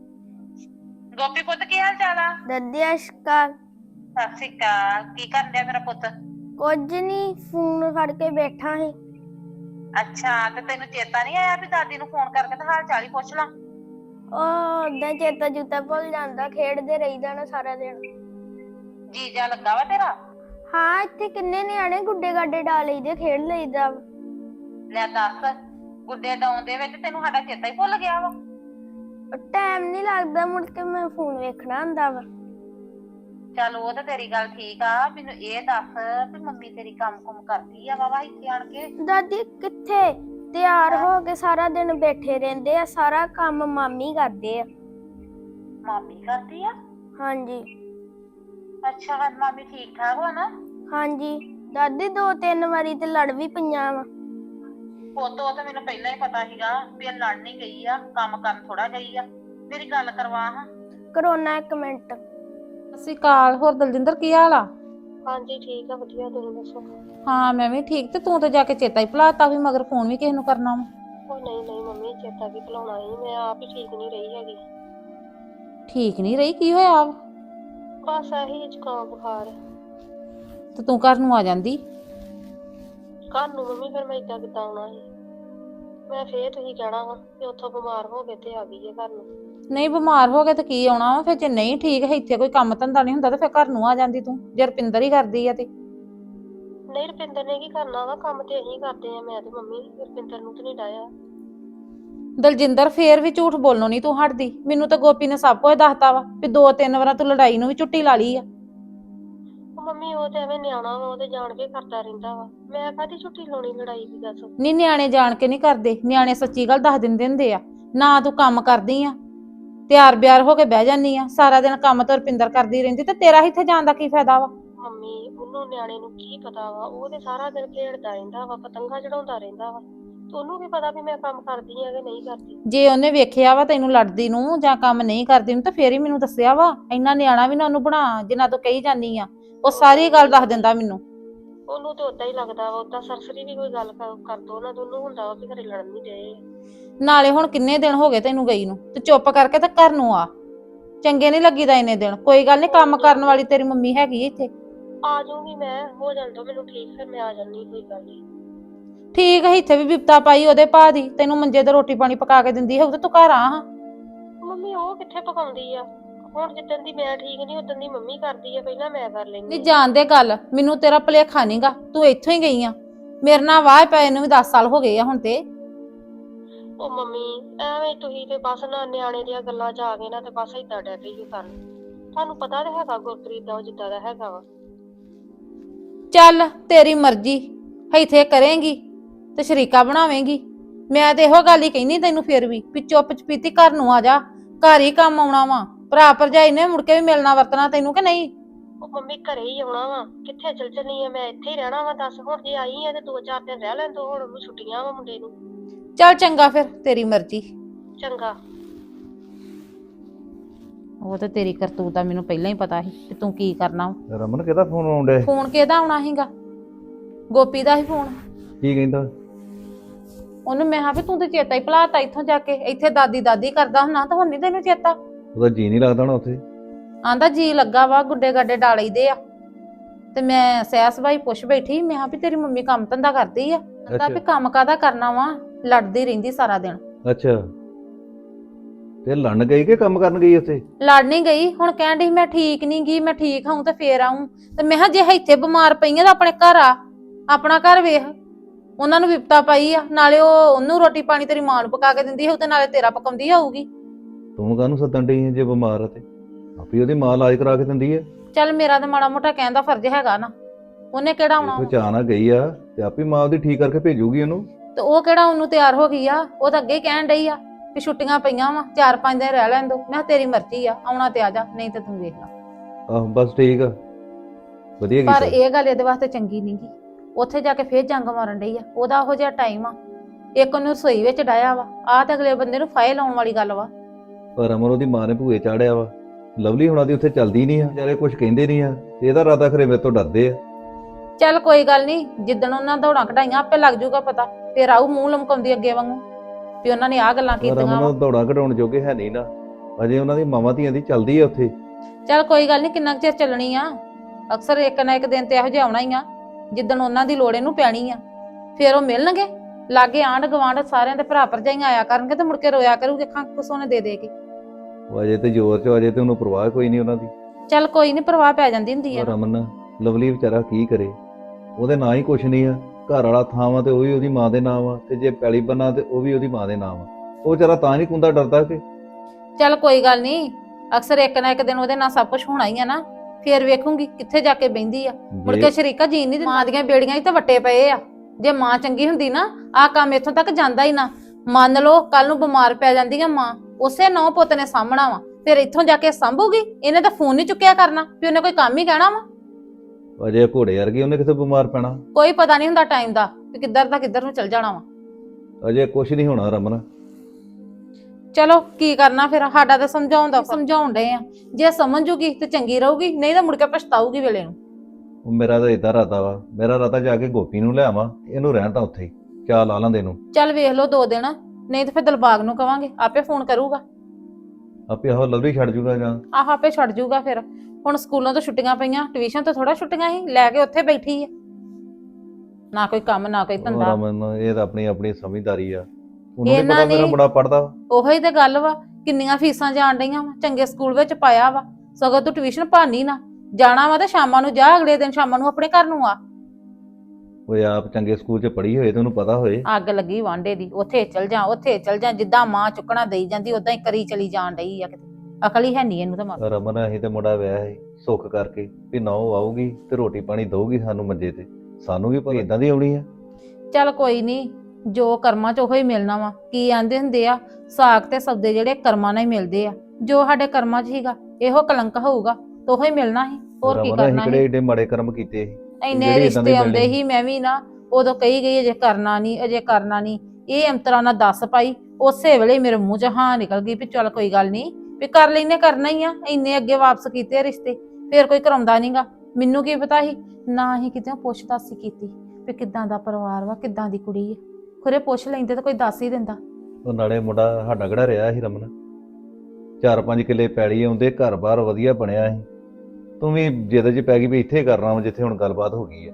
ਗੋਪੀ ਪੁੱਤ ਕੀ ਹਾਲ ਚਾਲ ਆ?
ਦਾਦੀ ਅਸ਼ਕਾਰ।
ਸਤਿ ਸ਼੍ਰੀ ਅਕਾਲ। ਕੀ ਕਰਨ ਡਿਆ ਮੇਰਾ ਪੁੱਤ?
ਕੁਝ ਨਹੀਂ, ਫੋਨ ਫੜ ਕੇ ਬੈਠਾ ਸੀ।
ਅੱਛਾ, ਤੇ ਤੈਨੂੰ ਚੇਤਾ ਨਹੀਂ ਆਇਆ ਵੀ ਦਾਦੀ ਨੂੰ ਫੋਨ ਕਰਕੇ ਤੇ ਹਾਲ ਚਾਲ ਹੀ ਪੁੱਛ ਲਾਂ?
ਉਹ ਉਦਾਂ ਚੇਤਾ ਚੂਤਾ ਭੁੱਲ ਜਾਂਦਾ, ਖੇਡਦੇ ਰਹੀਦਾ ਨਾ ਸਾਰਾ ਦਿਨ।
ਜੀਜਾ ਲੱਗਾ ਵਾ ਤੇਰਾ?
ਹਾਂ, ਇੱਥੇ ਕਿੰਨੇ ਨਿਆਣੇ ਗੁੱਡੇ ਗਾਡੇ ਡਾ ਲਈਦੇ, ਖੇਡ ਲਈਦਾ।
ਲੈ ਦੱਸ, ਗੁੱਡੇ ਡਾਉਣ ਦੇ ਵਿੱਚ ਤੈਨੂੰ ਸਾਡਾ ਚੇਤਾ ਹੀ ਭੁੱਲ ਗਿਆ ਵਾ?
ਟਾਈਮ ਨਹੀਂ ਲੱਗਦਾ, ਮੁੜ ਕੇ ਮੈਂ ਫੋਨ ਵੇਖਣਾ ਹੁੰਦਾ ਵਾ।
ਚੱਲ ਉਹ ਤਾਂ ਤੇਰੀ ਗੱਲ ਠੀਕ ਆ, ਮੈਨੂੰ ਇਹ ਦੱਸ ਵੀ ਮੰਮੀ ਤੇਰੀ ਕੰਮ ਕੁਮ ਕਰਦੀ ਆ ਵਾਵਾ ਇੱਥੇ ਆਣ ਕੇ?
ਦਾਦੀ ਕਿੱਥੇ, ਤਿਆਰ ਹੋ ਕੇ ਸਾਰਾ ਦਿਨ ਬੈਠੇ ਰਹਿੰਦੇ ਆ, ਸਾਰਾ ਕੰਮ ਮਾਮੀ ਕਰਦੇ ਆ।
ਮਾਮੀ ਕਰਦੀ ਆ?
ਹਾਂਜੀ
ਅੱਛਾ, ਮਾਮੀ ਠੀਕ ਠਾਕ ਵਾ ਨਾ?
ਹਾਂਜੀ ਦਾਦੀ, 2-3 ਵਾਰੀ ਤੇ ਲੜ ਵੀ ਪਈਆਂ ਵਾ।
ਪੁੱਤ ਉਹ ਤਾਂ ਮੈਨੂੰ ਪਹਿਲਾਂ ਹੀ ਪਤਾ ਸੀਗਾ ਵੀ ਇਹ ਲੜ ਨਹੀਂ ਗਈ ਆ, ਕੰਮ ਕਰਨ ਥੋੜਾ ਗਈ ਆ। ਮੇਰੀ ਗੱਲ ਕਰਵਾ ਹਾਂ।
ਕਰੋਨਾ 1 ਮਿੰਟ।
ਸਤਿ ਸ਼੍ਰੀ ਅਕਾਲ। ਹੋਰ ਦਲਜਿੰਦਰ ਕੀ ਹਾਲ ਆ?
ਹਾਂਜੀ ਠੀਕ ਆ, ਵਧੀਆ। ਤੁਸੀਂ ਦੱਸੋ?
ਹਾਂ ਮੈਂ ਵੀ ਠੀਕ। ਤੇ ਤੂੰ ਤੇ ਜਾ ਕੇ ਚੇਤਾ ਹੀ ਭੁਲਾਤਾ ਵੀ ਮਗਰ ਫੋਨ ਵੀ ਕਿਸੇ ਨੂੰ ਕਰਨਾ ਵਾ।
ਉਹ ਨਹੀਂ ਮੰਮੀ, ਚੇਤਾ ਕੀ ਭੁਲਾਉਣਾ ਸੀ, ਮੈਂ ਆਪ ਹੀ ਠੀਕ ਨਹੀਂ ਰਹੀ ਹੈਗੀ।
ਠੀਕ ਨਹੀਂ ਰਹੀ? ਕੀ ਹੋਇਆ ਵਾ?
ਬਸ ਇਹੀ ਜ਼ੁਕਾਮ ਬੁਖਾਰ।
ਤੇ ਤੂੰ ਘਰ ਨੂੰ ਆ ਜਾਂਦੀ।
ਘਰ ਨੂੰ ਮੰਮੀ ਫਿਰ ਮੈਂ ਏਦਾਂ ਕਿੱਦਾਂ ਆਉਣਾ ਸੀ? ਮੈਂ ਫੇਰ ਤੁਸੀਂ ਕਹਿਣਾ ਵਾ ਕਿ ਉੱਥੋਂ ਬਿਮਾਰ ਹੋ ਗਏ ਤੇ ਆ ਗਈ ਹੈ ਘਰ ਨੂੰ।
ਨਹੀਂ ਬਿਮਾਰ ਹੋ ਗਏ ਤੇ ਕੀ ਆਉਣਾ ਵਾ ਫਿਰ? ਜੇ ਨਹੀਂ ਠੀਕ ਇੱਥੇ ਕੋਈ ਕੰਮ ਧੰਦਾ ਨਹੀਂ ਹੁੰਦਾ ਤੇ ਫਿਰ ਘਰ ਨੂੰ ਆ ਜਾਂਦੀ ਤੂੰ, ਜੇ ਰੁਪਿੰਦਰ ਹੀ ਕਰਦੀ ਆ ਤੇ।
ਨਹੀਂ, ਰੁਪਿੰਦਰ ਨੇ ਕੀ ਕਰਨਾ ਵਾ, ਕੰਮ ਤੇ ਅਸੀਂ ਕਰਦੇ ਆ ਮੈਂ ਤੇ ਮੰਮੀ, ਰੁਪਿੰਦਰ ਨੂੰ ਤੇ ਨਹੀਂ ਡਾਇਆ।
ਦਲਜਿੰਦਰ ਫੇਰ ਵੀ ਝੂਠ ਬੋਲਣੋਂ ਨਹੀਂ ਤੂੰ ਹਟਦੀ। ਮੈਨੂੰ ਤਾਂ ਗੋਪੀ ਨੇ ਸਭ ਕੁਝ ਦੱਸਤਾ ਵਾ ਵੀ 2-3 ਵਾਰਾਂ ਤੂੰ ਲੜਾਈ ਨੂੰ ਵੀ ਝੁੱਟੀ ਲਾ ਲਈ ਆ।
ਮੰਮੀ ਉਹ ਤੇ ਐਵੇਂ ਨਿਆਣਾ ਵਾ, ਉਹ ਤੇ ਜਾਣ ਕੇ ਕਰਦਾ ਰਹਿੰਦਾ ਵਾ, ਮੈਂ ਕਾਹਦੀ ਛੁੱਟੀ ਲਾਉਣੀ ਲੜਾਈ ਦੀ, ਦੱਸ?
ਨਹੀਂ ਨਿਆਣੇ ਜਾਣ ਕੇ ਨਹੀਂ ਕਰਦੇ, ਨਿਆਣੇ ਸੱਚੀ ਗੱਲ ਦੱਸ ਦਿੰਦੇ ਹੁੰਦੇ ਆ। ਨਾ ਤੂੰ ਕੰਮ ਕਰਦੀ ਆ, ਤਿਆਰ ਬਿਆਰ ਹੋ ਕੇ ਬਹਿ ਜਾਂਦੀ ਆ, ਸਾਰਾ ਦਿਨ ਕੰਮ ਤੋਂ ਰੁਪਿੰਦਰ ਕਰਦੀ ਰਹਿੰਦੀ, ਤੇ ਤੇਰਾ ਇੱਥੇ ਜਾਣ ਦਾ ਕੀ ਫਾਇਦਾ ਵਾ?
ਮੰਮੀ ਉਹਨੂੰ ਨਿਆਣੇ ਨੂੰ ਕੀ ਪਤਾ ਵਾ, ਉਹ ਤੇ ਸਾਰਾ ਦਿਨ ਖੇਡਦਾ ਰਹਿੰਦਾ ਵਾ, ਪਤੰਗਾ ਚੜਾਉਂਦਾ ਰਹਿੰਦਾ ਵਾ, ਤੇ ਉਹਨੂੰ ਕੀ ਪਤਾ ਵੀ ਮੈਂ ਕੰਮ ਕਰਦੀ ਆ ਕਿ ਨਹੀਂ ਕਰਦੀ।
ਜੇ ਉਹਨੇ ਵੇਖਿਆ ਵਾ ਤੈਨੂੰ ਲੜਦੀ ਨੂੰ ਜਾਂ ਕੰਮ ਨਹੀਂ ਕਰਦੀ ਨੂੰ ਤਾਂ ਫੇਰ ਹੀ ਮੈਨੂੰ ਦੱਸਿਆ ਵਾ। ਇੰਨਾ ਨਿਆਣਾ ਵੀ ਨਾ ਉਹਨੂੰ ਬਣਾ ਜਿੰਨਾ ਤੂੰ ਕਹੀ ਜਾਂਦੀ ਆ। ਉਹ ਸਾਰੀ ਗੱਲ ਦੱਸ ਦਿੰਦਾ ਮੈਨੂੰ।
ਉਹਨੂੰ ਤੇ ਉਦਾਂ ਹੀ ਲੱਗਦਾ ਵਾ, ਉਦਾਂ ਸਰਸਰੀ ਵੀ ਕੋਈ ਗੱਲ ਕਰ ਦੋ ਨਾ, ਤੇ ਉਹਨੂੰ ਹੁੰਦਾ ਵਾ ਵੀ ਘਰੇ ਲੜਨ ਨਹੀਂ ਦੇ।
ਨਾਲੇ ਹੁਣ ਕਿੰਨੇ ਦਿਨ ਹੋ ਗਏ ਤੈਨੂੰ ਗਈ ਨੂੰ, ਤੇ ਚੁੱਪ ਕਰਕੇ ਤੇ ਘਰ ਨੂੰ ਆ। ਚੰਗੇ ਨਹੀਂ ਲੱਗੀਦਾ ਇੰਨੇ ਦਿਨ। ਕੋਈ ਗੱਲ ਨਹੀਂ, ਕੰਮ ਕਰਨ ਵਾਲੀ ਤੇਰੀ ਮੰਮੀ ਹੈਗੀ ਇੱਥੇ।
ਆ ਜਾਊਂਗੀ ਮੈਂ, ਹੋ ਜਾਣ ਦੋ ਮੈਨੂੰ ਠੀਕ, ਫਿਰ ਮੈਂ ਆ ਜਾਣੀ, ਕੋਈ ਗੱਲ ਨਹੀਂ।
ਠੀਕ ਹੈ, ਇੱਥੇ ਵੀ ਬਿਪਤਾ ਪਾਈ ਉਹਦੇ ਭਾ ਦੀ। ਤੈਨੂੰ ਮੰਜੇ ਤੇ ਰੋਟੀ ਪਾਣੀ ਪਕਾ ਕੇ ਦਿੰਦੀ ਹੋਊ ਤੇ ਤੂੰ ਘਰ ਆ ਹਾਂ।
ਮੰਮੀ ਉਹ ਕਿੱਥੇ ਪਕਾਉਂਦੀ ਆ? ਹੁਣ ਜਿੱਦਣ ਦੀ ਮੈਂ ਠੀਕ ਨਹੀਂ ਉਦੋਂ ਦੀ ਮੰਮੀ ਕਰਦੀ ਆ, ਪਹਿਲਾਂ ਮੈਂ ਕਰ ਲੈਂਦੀ।
ਨਹੀਂ ਜਾਣਦੇ ਗੱਲ, ਮੈਨੂੰ ਤੇਰਾ ਭੁਲੇਖਾ ਨਹੀਂਗਾ। ਤੂੰ ਇੱਥੋਂ ਹੀ ਗਈ ਆ। ਮੇਰੇ ਨਾਲ ਵਾਹ ਪਏ ਨੂੰ ਵੀ 10 ਸਾਲ ਹੋ ਗਏ ਆ ਹੁਣ ਤੇ।
ਉਹ ਮੰਮੀ ਐਵੇਂ ਤੁਸੀਂ ਤੇ ਬਸ ਨਾ ਨਿਆਣੇ ਦੀਆਂ ਗੱਲਾਂ ਚ ਆ ਗਏ ਨਾ, ਤੇ ਬਸ ਏਦਾਂ ਡੈ ਪਈ ਕਰਨ। ਤੁਹਾਨੂੰ ਪਤਾ ਤੇ ਹੈਗਾ ਗੁਰਪ੍ਰੀਤ ਦਾ ਉਹ ਜਿੱਦਾਂ ਦਾ ਹੈਗਾ ਵਾ।
ਚੱਲ ਤੇਰੀ ਮਰਜ਼ੀ, ਇੱਥੇ ਕਰੇਂਗੀ ਤੇ ਸ਼ਰੀਕਾ ਬਣਾਵੇਂਗੀ। ਮੈਂ ਤੇ ਇਹੋ ਗੱਲ ਹੀ ਕਹਿੰਦੀ ਤੈਨੂੰ ਫੇਰ ਵੀ ਚੁੱਪ ਚਪੀਤੀ ਘਰ ਨੂੰ ਆ ਜਾ। ਘਰ ਹੀ ਕੰਮ ਆਉਣਾ ਵਾ, ਭਰਾ ਭਰਜਾਈ ਨੇ ਮੁੜ ਕੇ ਵੀ ਮਿਲਣਾ ਵਰਤਣਾ ਤੈਨੂੰ ਕਿ ਨਹੀਂ?
ਉਹ ਮੰਮੀ ਘਰੇ ਹੀ ਆਉਣਾ ਵਾ, ਕਿੱਥੇ ਚਲ ਚੱਲੀ ਆ? ਮੈਂ ਇੱਥੇ ਹੀ ਰਹਿਣਾ ਵਾ, ਦੱਸ। ਹੁਣ ਜੇ ਆਈ ਆ ਤੇ 2-4 ਦਿਨ ਰਹਿ ਲੈਣ ਦੋ, ਹੁਣ ਉਹਨੂੰ ਛੁੱਟੀਆਂ ਵਾ ਮੁੰਡੇ ਨੂੰ।
ਚੱਲ ਚੰਗਾ ਫਿਰ, ਤੇਰੀ ਮਰਜ਼ੀ।
ਚੰਗਾ।
ਉਹ ਤੇ ਤੇਰੀ ਕਰਤੂਤ ਦਾ ਮੈਨੂੰ ਪਹਿਲਾਂ ਹੀ ਪਤਾ ਸੀ ਕਿ ਤੂੰ ਕੀ ਕਰਨਾ।
ਰਮਨ ਕਿਹਦਾ ਫੋਨ ਆਉਂਦਾ?
ਫੋਨ ਕਿਹਦਾ ਆਉਣਾ ਸੀਗਾ? ਗੋਪੀ ਦਾ ਹੀ ਫੋਨ।
ਕੀ ਕਹਿੰਦਾ?
ਉਹਨੂੰ ਮੈਂ ਕਿਹਾ ਵੀ ਤੂੰ ਤੇ ਚੇਤਾ ਹੀ ਭੁਲਾਤਾ ਇੱਥੋਂ ਜਾ ਕੇ। ਇੱਥੇ ਦਾਦੀ ਦਾਦੀ ਕਰਦਾ ਹੁੰਨਾ ਤਾਂ ਹੁਣ ਨੀ ਤੈਨੂੰ ਚੇਤਾ?
ਉਹਦਾ ਜੀ ਨਹੀਂ ਲੱਗਦਾ ਨਾ ਉੱਥੇ।
ਆਂਦਾ ਜੀ ਲੱਗਾ ਵਾ, ਗੁੱਡੇ ਗਾਡੇ ਡਾਲੀਦੇ ਆ। ਤੇ ਮੈਂ ਸਹਿ ਸਬਾਈ ਪੁੱਛ ਬੈਠੀ, ਮੈਂ ਕਿਹਾ ਵੀ ਤੇਰੀ ਮੰਮੀ ਕੰਮ ਧੰਦਾ ਕਰਦੀ ਆ? ਕਹਿੰਦਾ ਵੀ ਕੰਮ ਕਾਹਦਾ ਕਰਨਾ ਵਾ, ਲੜਦੀ ਰਹਿੰਦੀ ਸਾਰਾ ਦਿਨ।
ਅੱਛਾ ਤੇ ਲੜਨ ਗਈ ਕਿ ਕੰਮ ਕਰਨ ਗਈ ਉੱਥੇ?
ਲੜ ਨਹੀਂ ਗਈ, ਹੁਣ ਕਹਿਣ ਡਈ ਮੈਂ ਠੀਕ ਨਹੀਂ ਗਈ, ਮੈਂ ਠੀਕ ਹਾਂ ਤੇ ਫੇਰ ਆਊਂ। ਤੇ ਮੈਂ ਕਿਹਾ ਜੇ ਇੱਥੇ ਬਿਮਾਰ ਪਈਆਂ ਤਾਂ ਆਪਣੇ ਘਰ ਆ, ਆਪਣਾ ਘਰ ਵੇਖ। ਉਹਨਾਂ ਨੂੰ ਵਿਪਤਾ ਪਾਈ ਆ, ਨਾਲੇ ਉਹਨੂੰ ਰੋਟੀ ਪਾਣੀ ਤੇਰੀ ਮਾਂ ਨੂੰ ਪਕਾ ਕੇ ਦਿੰਦੀ ਹੋਊ ਤੇ ਨਾਲੇ ਤੇਰਾ ਪਕਾਉਂਦੀ ਹੋਊਗੀ।
ਤੂੰ ਕਾਹਨੂੰ ਸੱਦਣ ਡਈ ਹੈ ਜੇ ਬਿਮਾਰ ਆ ਤੇ? ਆਪੀ ਉਹਦੀ ਮਾਂ ਇਲਾਜ ਕਰਾ ਕੇ ਦਿੰਦੀ ਹੈ।
ਚੱਲ ਮੇਰਾ ਤਾਂ ਮਾੜਾ ਮੋਟਾ ਕਹਿਣ ਦਾ ਫਰਜ਼ ਹੈਗਾ ਨਾ, ਉਹਨੇ ਕਿਹੜਾ ਆਉਣਾ
ਕੋਈ
ਵਾ?
ਚਾਹ ਨਾ ਗਈ ਆ ਤੇ ਆਪੀ ਮਾਂ ਉਹਦੀ ਠੀਕ ਕਰਕੇ ਭੇਜੂਗੀ ਉਹਨੂੰ।
ਤੇ ਉਹ ਕਿਹੜਾ ਉਹਨੂੰ ਤਿਆਰ ਹੋ ਗਈ ਆ? ਉਹ ਤਾਂ ਅੱਗੇ ਹੀ ਕਹਿਣ ਡਈ ਆ ਵੀ ਛੁੱਟੀਆਂ ਪਈਆਂ ਵਾ, 4-5 ਦਿਨ ਰਹਿ ਲੈਣ ਦੋ। ਮੈਂ ਕਿਹਾ ਤੇਰੀ ਮਰਜ਼ੀ ਆ, ਆਉਣਾ ਤੇ ਆ ਜਾ, ਨਹੀਂ ਤੇ ਤੂੰ ਵੇਖ ਲੈ।
ਆਹ ਬਸ ਠੀਕ ਆ, ਵਧੀਆ
ਪਰ
ਕੀਤਾ।
ਇਹ ਗੱਲ ਇਹਦੇ ਵਾਸਤੇ ਚੰਗੀ ਨੀ ਗੀ, ਉੱਥੇ ਜਾ ਕੇ ਫੇਰ ਜੰਗ ਮਾਰਨ ਡਈ ਆ। ਉਹਦਾ ਉਹੋ ਜਿਹਾ ਟਾਈਮ ਆ, ਇੱਕ ਉਹਨੂੰ ਰਸੋਈ ਵਿੱਚ ਡਾਇਆ ਵਾ, ਆਹ ਤਾਂ ਅਗਲੇ ਬੰਦੇ ਨੂੰ ਫਾਇਲ ਲਾਉਣ ਵਾਲੀ ਗੱਲ ਵਾ।
ਪਰ ਅਮਰ ਉਹਦੀ ਮਾਂ ਨੇ ਭੂਏ ਚਾੜਿਆ ਵਾ, ਲਵਲੀ ਹੁਣਾਂ ਦੀ ਉੱਥੇ ਚੱਲਦੀ ਨਹੀਂ ਆ, ਵਿਚਾਰੇ ਕੁਝ ਕਹਿੰਦੇ ਨਹੀਂ ਆ। ਇਹਦਾ ਰਾਦਾ ਖਰੇ ਮੇਰੇ ਤੋਂ ਡਰਦੇ ਆ।
ਚੱਲ ਕੋਈ ਗੱਲ ਨਹੀਂ, ਜਿੱਦਣ ਉਹਨਾਂ ਦੌੜਾਂ ਕਢਾਈਆਂ ਆਪੇ ਲੱਗ ਜੂਗਾ ਪਤਾ, ਫੇਰ ਆਊ ਮੂੰਹ ਲਮਕਾਉਂਦੀ ਅੱਗੇ ਵਾਂਗੂ ਵੀ ਉਹਨਾਂ ਨੇ ਆਹ ਗੱਲਾਂ
ਪਰ
ਕੀਤੀਆਂ
ਅਮਨ
ਵਾ।
ਉਹ ਦੌੜਾਂ ਘਟਾਉਣ ਜੋਗੇ ਹੈ ਨਹੀਂ ਨਾ, ਅਜੇ ਉਹਨਾਂ ਦੀ ਮਾਵਾਂ ਧੀਆਂ ਦੀ ਚੱਲਦੀ ਆ ਉੱਥੇ।
ਚੱਲ ਕੋਈ ਗੱਲ ਨਹੀਂ, ਕਿੰਨਾ ਕੁ ਚਿਰ ਚੱਲਣੀ ਆ? ਅਕਸਰ ਇੱਕ ਨਾ ਇੱਕ ਦਿਨ ਤੇ ਇਹੋ ਜਿਹਾ ਆਉਣਾ ਹੀ ਆ, ਜਿੱਦਣ ਉਹਨਾਂ ਦੀ ਲੋੜ ਇਹਨੂੰ ਪੈਣੀ ਆ। ਫੇਰ ਉਹ ਮਿਲਣਗੇ ਲਾਗੇ, ਆਂਢ ਗਵਾਂਢ ਸਾਰਿਆਂ ਦੇ ਭਰਾ ਭਰਜਾਈਆਂ ਆਇਆ ਕਰਨਗੇ ਤੇ ਮੁੜ ਕੇ ਰੋਇਆ ਕਰੂਗੇ ਅੱਖਾਂ ਕੁਸੋਂ ਨੇ ਦੇ ਕੇ।
ਉਹ ਅਜੇ ਤੇ ਜ਼ੋਰ ਚ, ਅਜੇ ਤੇ ਉਹਨੂੰ ਪਰਵਾਹ ਕੋਈ ਨਹੀਂ ਉਹਨਾਂ ਦੀ।
ਚੱਲ ਕੋਈ ਨਹੀਂ, ਪਰਵਾਹ ਪੈ ਜਾਂਦੀ ਹੁੰਦੀ ਆ।
ਪਰ ਅਮਨ ਲਵਲੀ ਵਿਚਾਰਾ ਕੀ ਕਰੇ, ਉਹਦੇ ਨਾਂ ਹੀ ਕੁਛ ਨਹੀਂ ਆ। ਘਰ ਵਾਲਾ ਥਾਂ ਵਾ ਤੇ ਉਹ ਵੀ ਉਹਦੀ ਮਾਂ ਦੇ ਨਾਮ ਆ, ਤੇ ਜੇ ਪੈਲੀ ਬੰਨਾ ਤੇ ਉਹ ਵੀ ਉਹਦੀ ਮਾਂ ਦੇ ਨਾਮ ਆ। ਉਹ ਵਿਚਾਰਾ ਤਾਂ ਨਹੀਂ ਕੁੰਦਾ ਡਰਦਾ ਕਿ
ਚੱਲ ਕੋਈ ਗੱਲ ਨਹੀਂ, ਅਕਸਰ ਇੱਕ ਨਾ ਇੱਕ ਦਿਨ ਉਹਦੇ ਨਾਲ ਸਭ ਕੁਝ ਹੋਣਾ ਹੀ ਆ ਨਾ। ਫੇਰ ਵੇਖੂੰਗੀ ਕਿੱਥੇ ਜਾ ਕੇ ਬਹਿੰਦੀ ਆ। ਮੁੜ ਕੇ ਸ਼ਰੀਕਾ ਜੀਣ ਨਹੀਂ ਦਿੰਦੀ। ਮਾਂ ਦੀਆਂ ਬੇੜੀਆਂ ਹੀ ਤਾਂ ਵੱਟੇ ਪਏ ਆ। ਜੇ ਮਾਂ ਚੰਗੀ ਹੁੰਦੀ ਨਾ, ਆਹ ਕੰਮ ਇੱਥੋਂ ਤੱਕ ਜਾਂਦਾ ਹੀ ਨਾ। ਮੰਨ ਲਓ ਕੱਲ ਨੂੰ ਬਿਮਾਰ ਪੈ ਜਾਂਦੀ ਆ ਮਾਂ, ਉਸੇ ਨੌ ਪੁੱਤ ਨੇ ਸਾਂਭਣਾ ਵਾ, ਫਿਰ ਇੱਥੋਂ ਜਾ ਕੇ ਸੰਭੂਗੀ? ਇਹਨੇ ਤਾਂ ਫੋਨ ਨਹੀਂ ਚੁੱਕਿਆ ਕਰਨਾ ਵੀ ਉਹਨੇ ਕੋਈ ਕੰਮ ਹੀ ਕਹਿਣਾ ਵਾ।
ਅਜੇ ਘੋੜੇ ਵਰਗੀ, ਉਹਨੇ ਕਿੱਥੇ ਬਿਮਾਰ ਪੈਣਾ?
ਕੋਈ ਪਤਾ ਨਹੀਂ ਹੁੰਦਾ ਟਾਈਮ ਦਾ ਕਿ ਕਿੱਧਰ ਦਾ ਕਿੱਧਰ ਨੂੰ ਚੱਲ ਜਾਣਾ ਵਾ।
ਅਜੇ ਕੁਛ ਨਹੀਂ ਹੋਣਾ ਰਮਨ।
ਚਲੋ ਕੀ ਕਰਨਾ ਫਿਰ, ਸਾਡਾ ਤਾਂ ਸਮਝਾਉਣ ਡਏ ਆ। ਜੇ ਸਮਝ ਜੂਗੀ ਤੇ ਚੰਗੀ ਰਹੂਗੀ, ਨਹੀਂ ਤਾਂ ਮੁੜ ਕੇ ਪਛਤਾਊਗੀ ਵੇਲੇ ਨੂੰ।
ਉਹ ਮੇਰਾ ਤਾਂ ਏਦਾਂ ਰਾਤਾ ਵਾ, ਮੇਰਾ ਰਾਤਾ ਜਾ ਕੇ ਗੋਪੀ ਨੂੰ ਲਿਆਵਾਂ, ਇਹਨੂੰ ਰਹਿਣ ਤਾਂ ਉੱਥੇ ਹੀ, ਚਾਹ ਲਾ ਲਾਂਦੇ ਇਹਨੂੰ।
ਚੱਲ ਵੇਖ ਲਓ 2 ਦਿਨ, ਨਹੀਂ ਤਾਂ ਫਿਰ ਦਿਲਬਾਗ ਨੂੰ ਕਵਾਂਗੇ, ਆਪੇ ਫੋਨ ਕਰੂਗਾ।
ਆਪੇ ਆਹ ਲਵਲੀ ਛੱਡ ਜੂਗਾ ਜਾਂ
ਆਹ ਆਪੇ ਛੱਡ ਜੂਗਾ। ਫਿਰ ਹੁਣ ਸਕੂਲੋਂ ਤੋਂ ਛੁੱਟੀਆਂ ਪਈਆਂ, ਟਿਊਸ਼ਨ ਤੋਂ ਥੋੜਾ ਛੁੱਟੀਆਂ ਸੀ, ਲੈ ਕੇ ਉੱਥੇ ਬੈਠੀ ਆ, ਨਾ ਕੋਈ ਕੰਮ ਨਾ ਕੋਈ ਧੰਦਾ।
ਰਮਨ ਇਹ ਤਾਂ ਆਪਣੀ ਆਪਣੀ ਸਮਝਦਾਰੀ ਆ, ਉਹਨੂੰ ਨੀ
ਇਹਨਾਂ
ਪਤਾ ਮੇਰਾ
ਨੇ-
ਮੁੰਡਾ ਪੜਦਾ।
ਉਹੋ ਹੀ ਤੇ ਗੱਲ ਵਾ, ਕਿੰਨੀਆਂ ਫੀਸਾਂ ਜਾਣ ਡਈਆਂ ਵਾ, ਚੰਗੇ ਸਕੂਲ ਵਿੱਚ ਪਾਇਆ ਵਾ, ਸਗੋਂ ਤੂੰ ਟਿਊਸ਼ਨ ਭਾਨੀ ਨਾ। ਜਾਣਾ ਵਾ ਤੇ ਸ਼ਾਮਾਂ ਨੂੰ ਜਾ, ਅਗਲੇ ਦਿਨ ਸ਼ਾਮਾਂ ਨੂੰ ਆਪਣੇ ਘਰ ਨੂੰ ਆ।
ਉਹ ਆਪ ਚੰਗੇ ਸਕੂਲ 'ਚ ਪੜ੍ਹੀ ਹੋਏ ਤੇ ਉਹਨੂੰ ਪਤਾ ਹੋਏ।
ਅੱਗ ਲੱਗੀ ਵਾਂਡੇ ਦੀ, ਉੱਥੇ ਚਲ ਜਾ ਉੱਥੇ ਚਲ ਜਾ, ਜਿੱਦਾਂ ਮਾਂ ਚੁੱਕਣਾ ਦੇਈ ਜਾਂਦੀ ਉਦਾਂ ਹੀ ਕਰੀ ਚਲੀ ਜਾਣ ਡਈ ਆ। ਕਿਤੇ ਅਕਲ ਹੀ ਹੈ ਨਹੀਂ ਇਹਨੂੰ ਤਾਂ ਮਾਂ।
ਰਮਨ ਅਸੀਂ ਤੇ ਮੁੰਡਾ ਵਿਆਹ ਹੈ ਸੁੱਖ ਕਰਕੇ ਵੀ ਨੌ ਆਊਗੀ ਤੇ ਰੋਟੀ ਪਾਣੀ ਦਊਗੀ ਸਾਨੂੰ ਮੰਜੇ ਤੇ, ਸਾਨੂੰ ਵੀ ਭਾਵੇਂ ਇਦਾਂ ਦੀ ਆਉਣੀ ਆ।
ਚੱਲ ਕੋਈ ਨਹੀਂ, ਜੋ ਕਰਮਾਂ ਚ ਉਹੋ ਹੀ ਮਿਲਣਾ ਵਾ। ਕੀ ਆਂਦੇ ਹੁੰਦੇ ਆ, ਸਾਗ ਤੇ ਸੌਦੇ ਜਿਹੜੇ ਕਰਮਾਂ ਨਾਲ ਹੀ ਮਿਲਦੇ ਆ। ਜੋ ਸਾਡੇ ਕਰਮਾਂ ਚ ਹੀਗਾ ਇਹੋ ਕਲੰਕ ਹੋਊਗਾ ਤਾਂ ਉਹੋ ਹੀ ਮਿਲਣਾ ਸੀ, ਹੋਰ ਕੀ
ਰਮਨ ਅਸੀਂ
ਕਰਨਾ
ਕਿਹੜੇ
ਸੀ।
ਏਡੇ ਮਾੜੇ ਕਰਮ ਕੀਤੇ ਸੀ?
ਇੰਨੇ
ਜਿਹੜੇ ਏਦਾਂ
ਰਿਸ਼ਤੇ
ਦੇ
ਆਉਂਦੇ
ਮਿਲਣੇ।
ਸੀ, ਮੈਂ ਵੀ ਨਾ ਉਦੋਂ ਕਹੀ ਗਈ ਅਜੇ ਕਰਨਾ ਨਹੀਂ, ਅਜੇ ਕਰਨਾ ਨਹੀਂ। ਇਹ ਅੰਤਰਾਂ ਨਾਲ ਦੱਸ ਪਾਈ, ਉਸੇ ਵੇਲੇ ਮੇਰੇ ਮੂੰਹ ਚ ਹਾਂ ਨਿਕਲ ਗਈ ਵੀ ਚੱਲ ਕੋਈ ਗੱਲ ਨਹੀਂ, ਵੀ ਕਰ ਲੈਨੇ, ਕਰਨਾ ਹੀ ਆ। ਇੰਨੇ ਅੱਗੇ ਵਾਪਸ ਕੀਤੇ ਰਿਸ਼ਤੇ, ਫੇਰ ਕੋਈ ਕਰਾਉਂਦਾ ਨਹੀਂਗਾ। ਮੈਨੂੰ ਕੀ ਪਤਾ ਸੀ, ਨਾ ਹੀ ਕਿਤੇ ਪੁੱਛ ਦੱਸ ਕੀਤੀ ਵੀ ਕਿੱਦਾਂ ਦਾ ਪਰਿਵਾਰ ਵਾ, ਕਿੱਦਾਂ ਦੀ ਕੁੜੀ ਹੈ। ਖੁਰੇ ਪੁੱਛ ਲੈਂਦੇ ਤਾਂ ਕੋਈ ਦੱਸ ਹੀ ਦਿੰਦਾ।
ਉਹ ਨਾਲੇ ਮੁੰਡਾ ਸਾਡਾ ਕਿਹੜਾ ਰਿਹਾ ਸੀ ਰਮਨ, 4-5 ਕਿੱਲੇ ਪੈਲੀ ਆਉਂਦੇ, ਘਰ-ਬਾਰ ਵਧੀਆ ਬਣਿਆ ਸੀ। ਤੂੰ ਵੀ ਜਿੱਦ 'ਚ ਪੈ ਗਈ ਵੀ ਇੱਥੇ ਕਰਨਾ ਵਾ ਜਿੱਥੇ ਹੁਣ ਗੱਲਬਾਤ ਹੋ ਗਈ ਆ।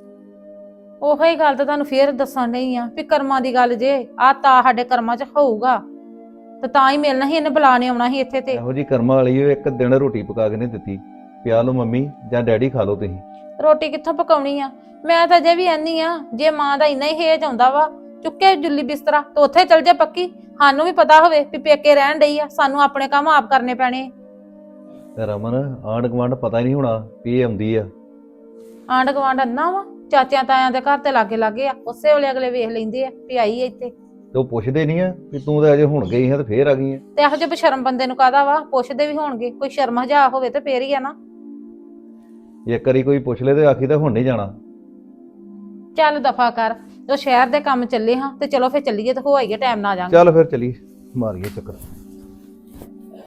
ਉਹੋ ਹੀ ਗੱਲ ਤਾਂ ਤੁਹਾਨੂੰ ਫੇਰ ਦੱਸਣ ਨਹੀਂ ਆ ਵੀ ਕਰਮਾਂ ਦੀ ਗੱਲ ਜੇ ਆ ਤਾਂ ਸਾਡੇ ਕਰਮਾਂ 'ਚ ਹੋਊਗਾ ਤੇ ਤਾਂ ਹੀ ਮਿਲਣਾ ਸੀ, ਇਹਨੇ ਬੁਲਾ ਨੇ ਆਉਣਾ ਸੀ ਇੱਥੇ। ਤੇ
ਇਹੋ ਜੀ ਕਰਮਾਂ ਵਾਲੀ ਉਹ ਇੱਕ ਦਿਨ ਰੋਟੀ ਪਕਾ ਕੇ ਨਹੀਂ ਦਿੱਤੀ, ਪਿਆ ਲਓ ਮੰਮੀ ਜਾਂ ਡੈਡੀ ਖਾ ਲਓ ਤੁਸੀਂ।
ਰੋਟੀ ਕਿੱਥੋਂ ਪਕਾਉਣੀ ਆ? ਮੈਂ ਤਾਂ ਅਜੇ ਵੀ ਆਨੀ ਆ, ਜੇ ਮਾਂ ਦਾ ਇੰਨਾ ਹੀ ਹੇਜ ਆਉਂਦਾ ਵਾ, ਚੁੱਕੇ ਜੁੱਲੀ ਬਿਸਤਰਾ ਤੇ ਉੱਥੇ ਚਲ ਜਾ ਪੱਕੀ। ਸਾਨੂੰ ਵੀ ਪਤਾ ਹੋਵੇ ਵੀ ਪੇਕੇ ਰਹਿਣ ਡਈ ਆ, ਸਾਨੂੰ ਆਪਣੇ ਕੰਮ ਆਪ ਕਰਨੇ ਪੈਣੇ।
ਤੇ ਰਮਨ ਆਂਢ ਗੁਆਂਢ ਪਤਾ ਹੀ ਨਹੀਂ ਹੋਣਾ ਵੀ ਇਹ ਆਉਂਦੀ ਆ।
ਆਂਢ ਗੁਆਂਢ ਅੰਨਾ ਵਾ, ਚਾਚਿਆਂ ਤਾਇਆਂ ਦੇ ਘਰ ਤੇ ਲਾਗੇ ਆ, ਉਸੇ ਵੇਲੇ ਅਗਲੇ ਵੇਖ ਲੈਂਦੇ ਆ ਵੀ ਆਈ ਆ ਇੱਥੇ।
ਤੇ ਉਹ ਪੁੱਛਦੇ ਨਹੀਂ ਆ ਵੀ ਤੂੰ ਤਾਂ ਅਜੇ ਹੁਣ ਗਈ ਹੈ ਤੇ ਫੇਰ ਆ ਗਈ ਆ।
ਤੇ ਇਹੋ ਜਿਹੇ ਬਸ਼ਰਮ ਬੰਦੇ ਨੂੰ ਕਾਹਦਾ ਵਾ, ਪੁੱਛਦੇ ਵੀ ਹੋਣਗੇ। ਕੋਈ ਸ਼ਰਮ ਹਜਾ ਹੋਵੇ ਤੇ ਫੇਰ ਹੀ ਆ ਨਾ।
ਇੱਕ ਵਾਰੀ ਕੋਈ ਪੁੱਛ ਲੈ ਤੇ ਆਖੀ ਤਾਂ ਹੁਣ ਨਹੀਂ ਜਾਣਾ।
ਚੱਲ ਦਫਾ ਕਰ, ਜੋ ਸ਼ਹਿਰ ਦੇ ਕੰਮ ਚੱਲੇ ਹਾਂ ਤੇ ਚਲੋ ਫੇਰ ਚੱਲੀਏ ਤੇ ਹੋ ਆਈਏ, ਟਾਈਮ ਨਾ ਆ ਜਾਾਂਗੇ।
ਚੱਲ ਫਿਰ ਚਲੀ ਮਾਰੀਏ ਚੱਕਰ।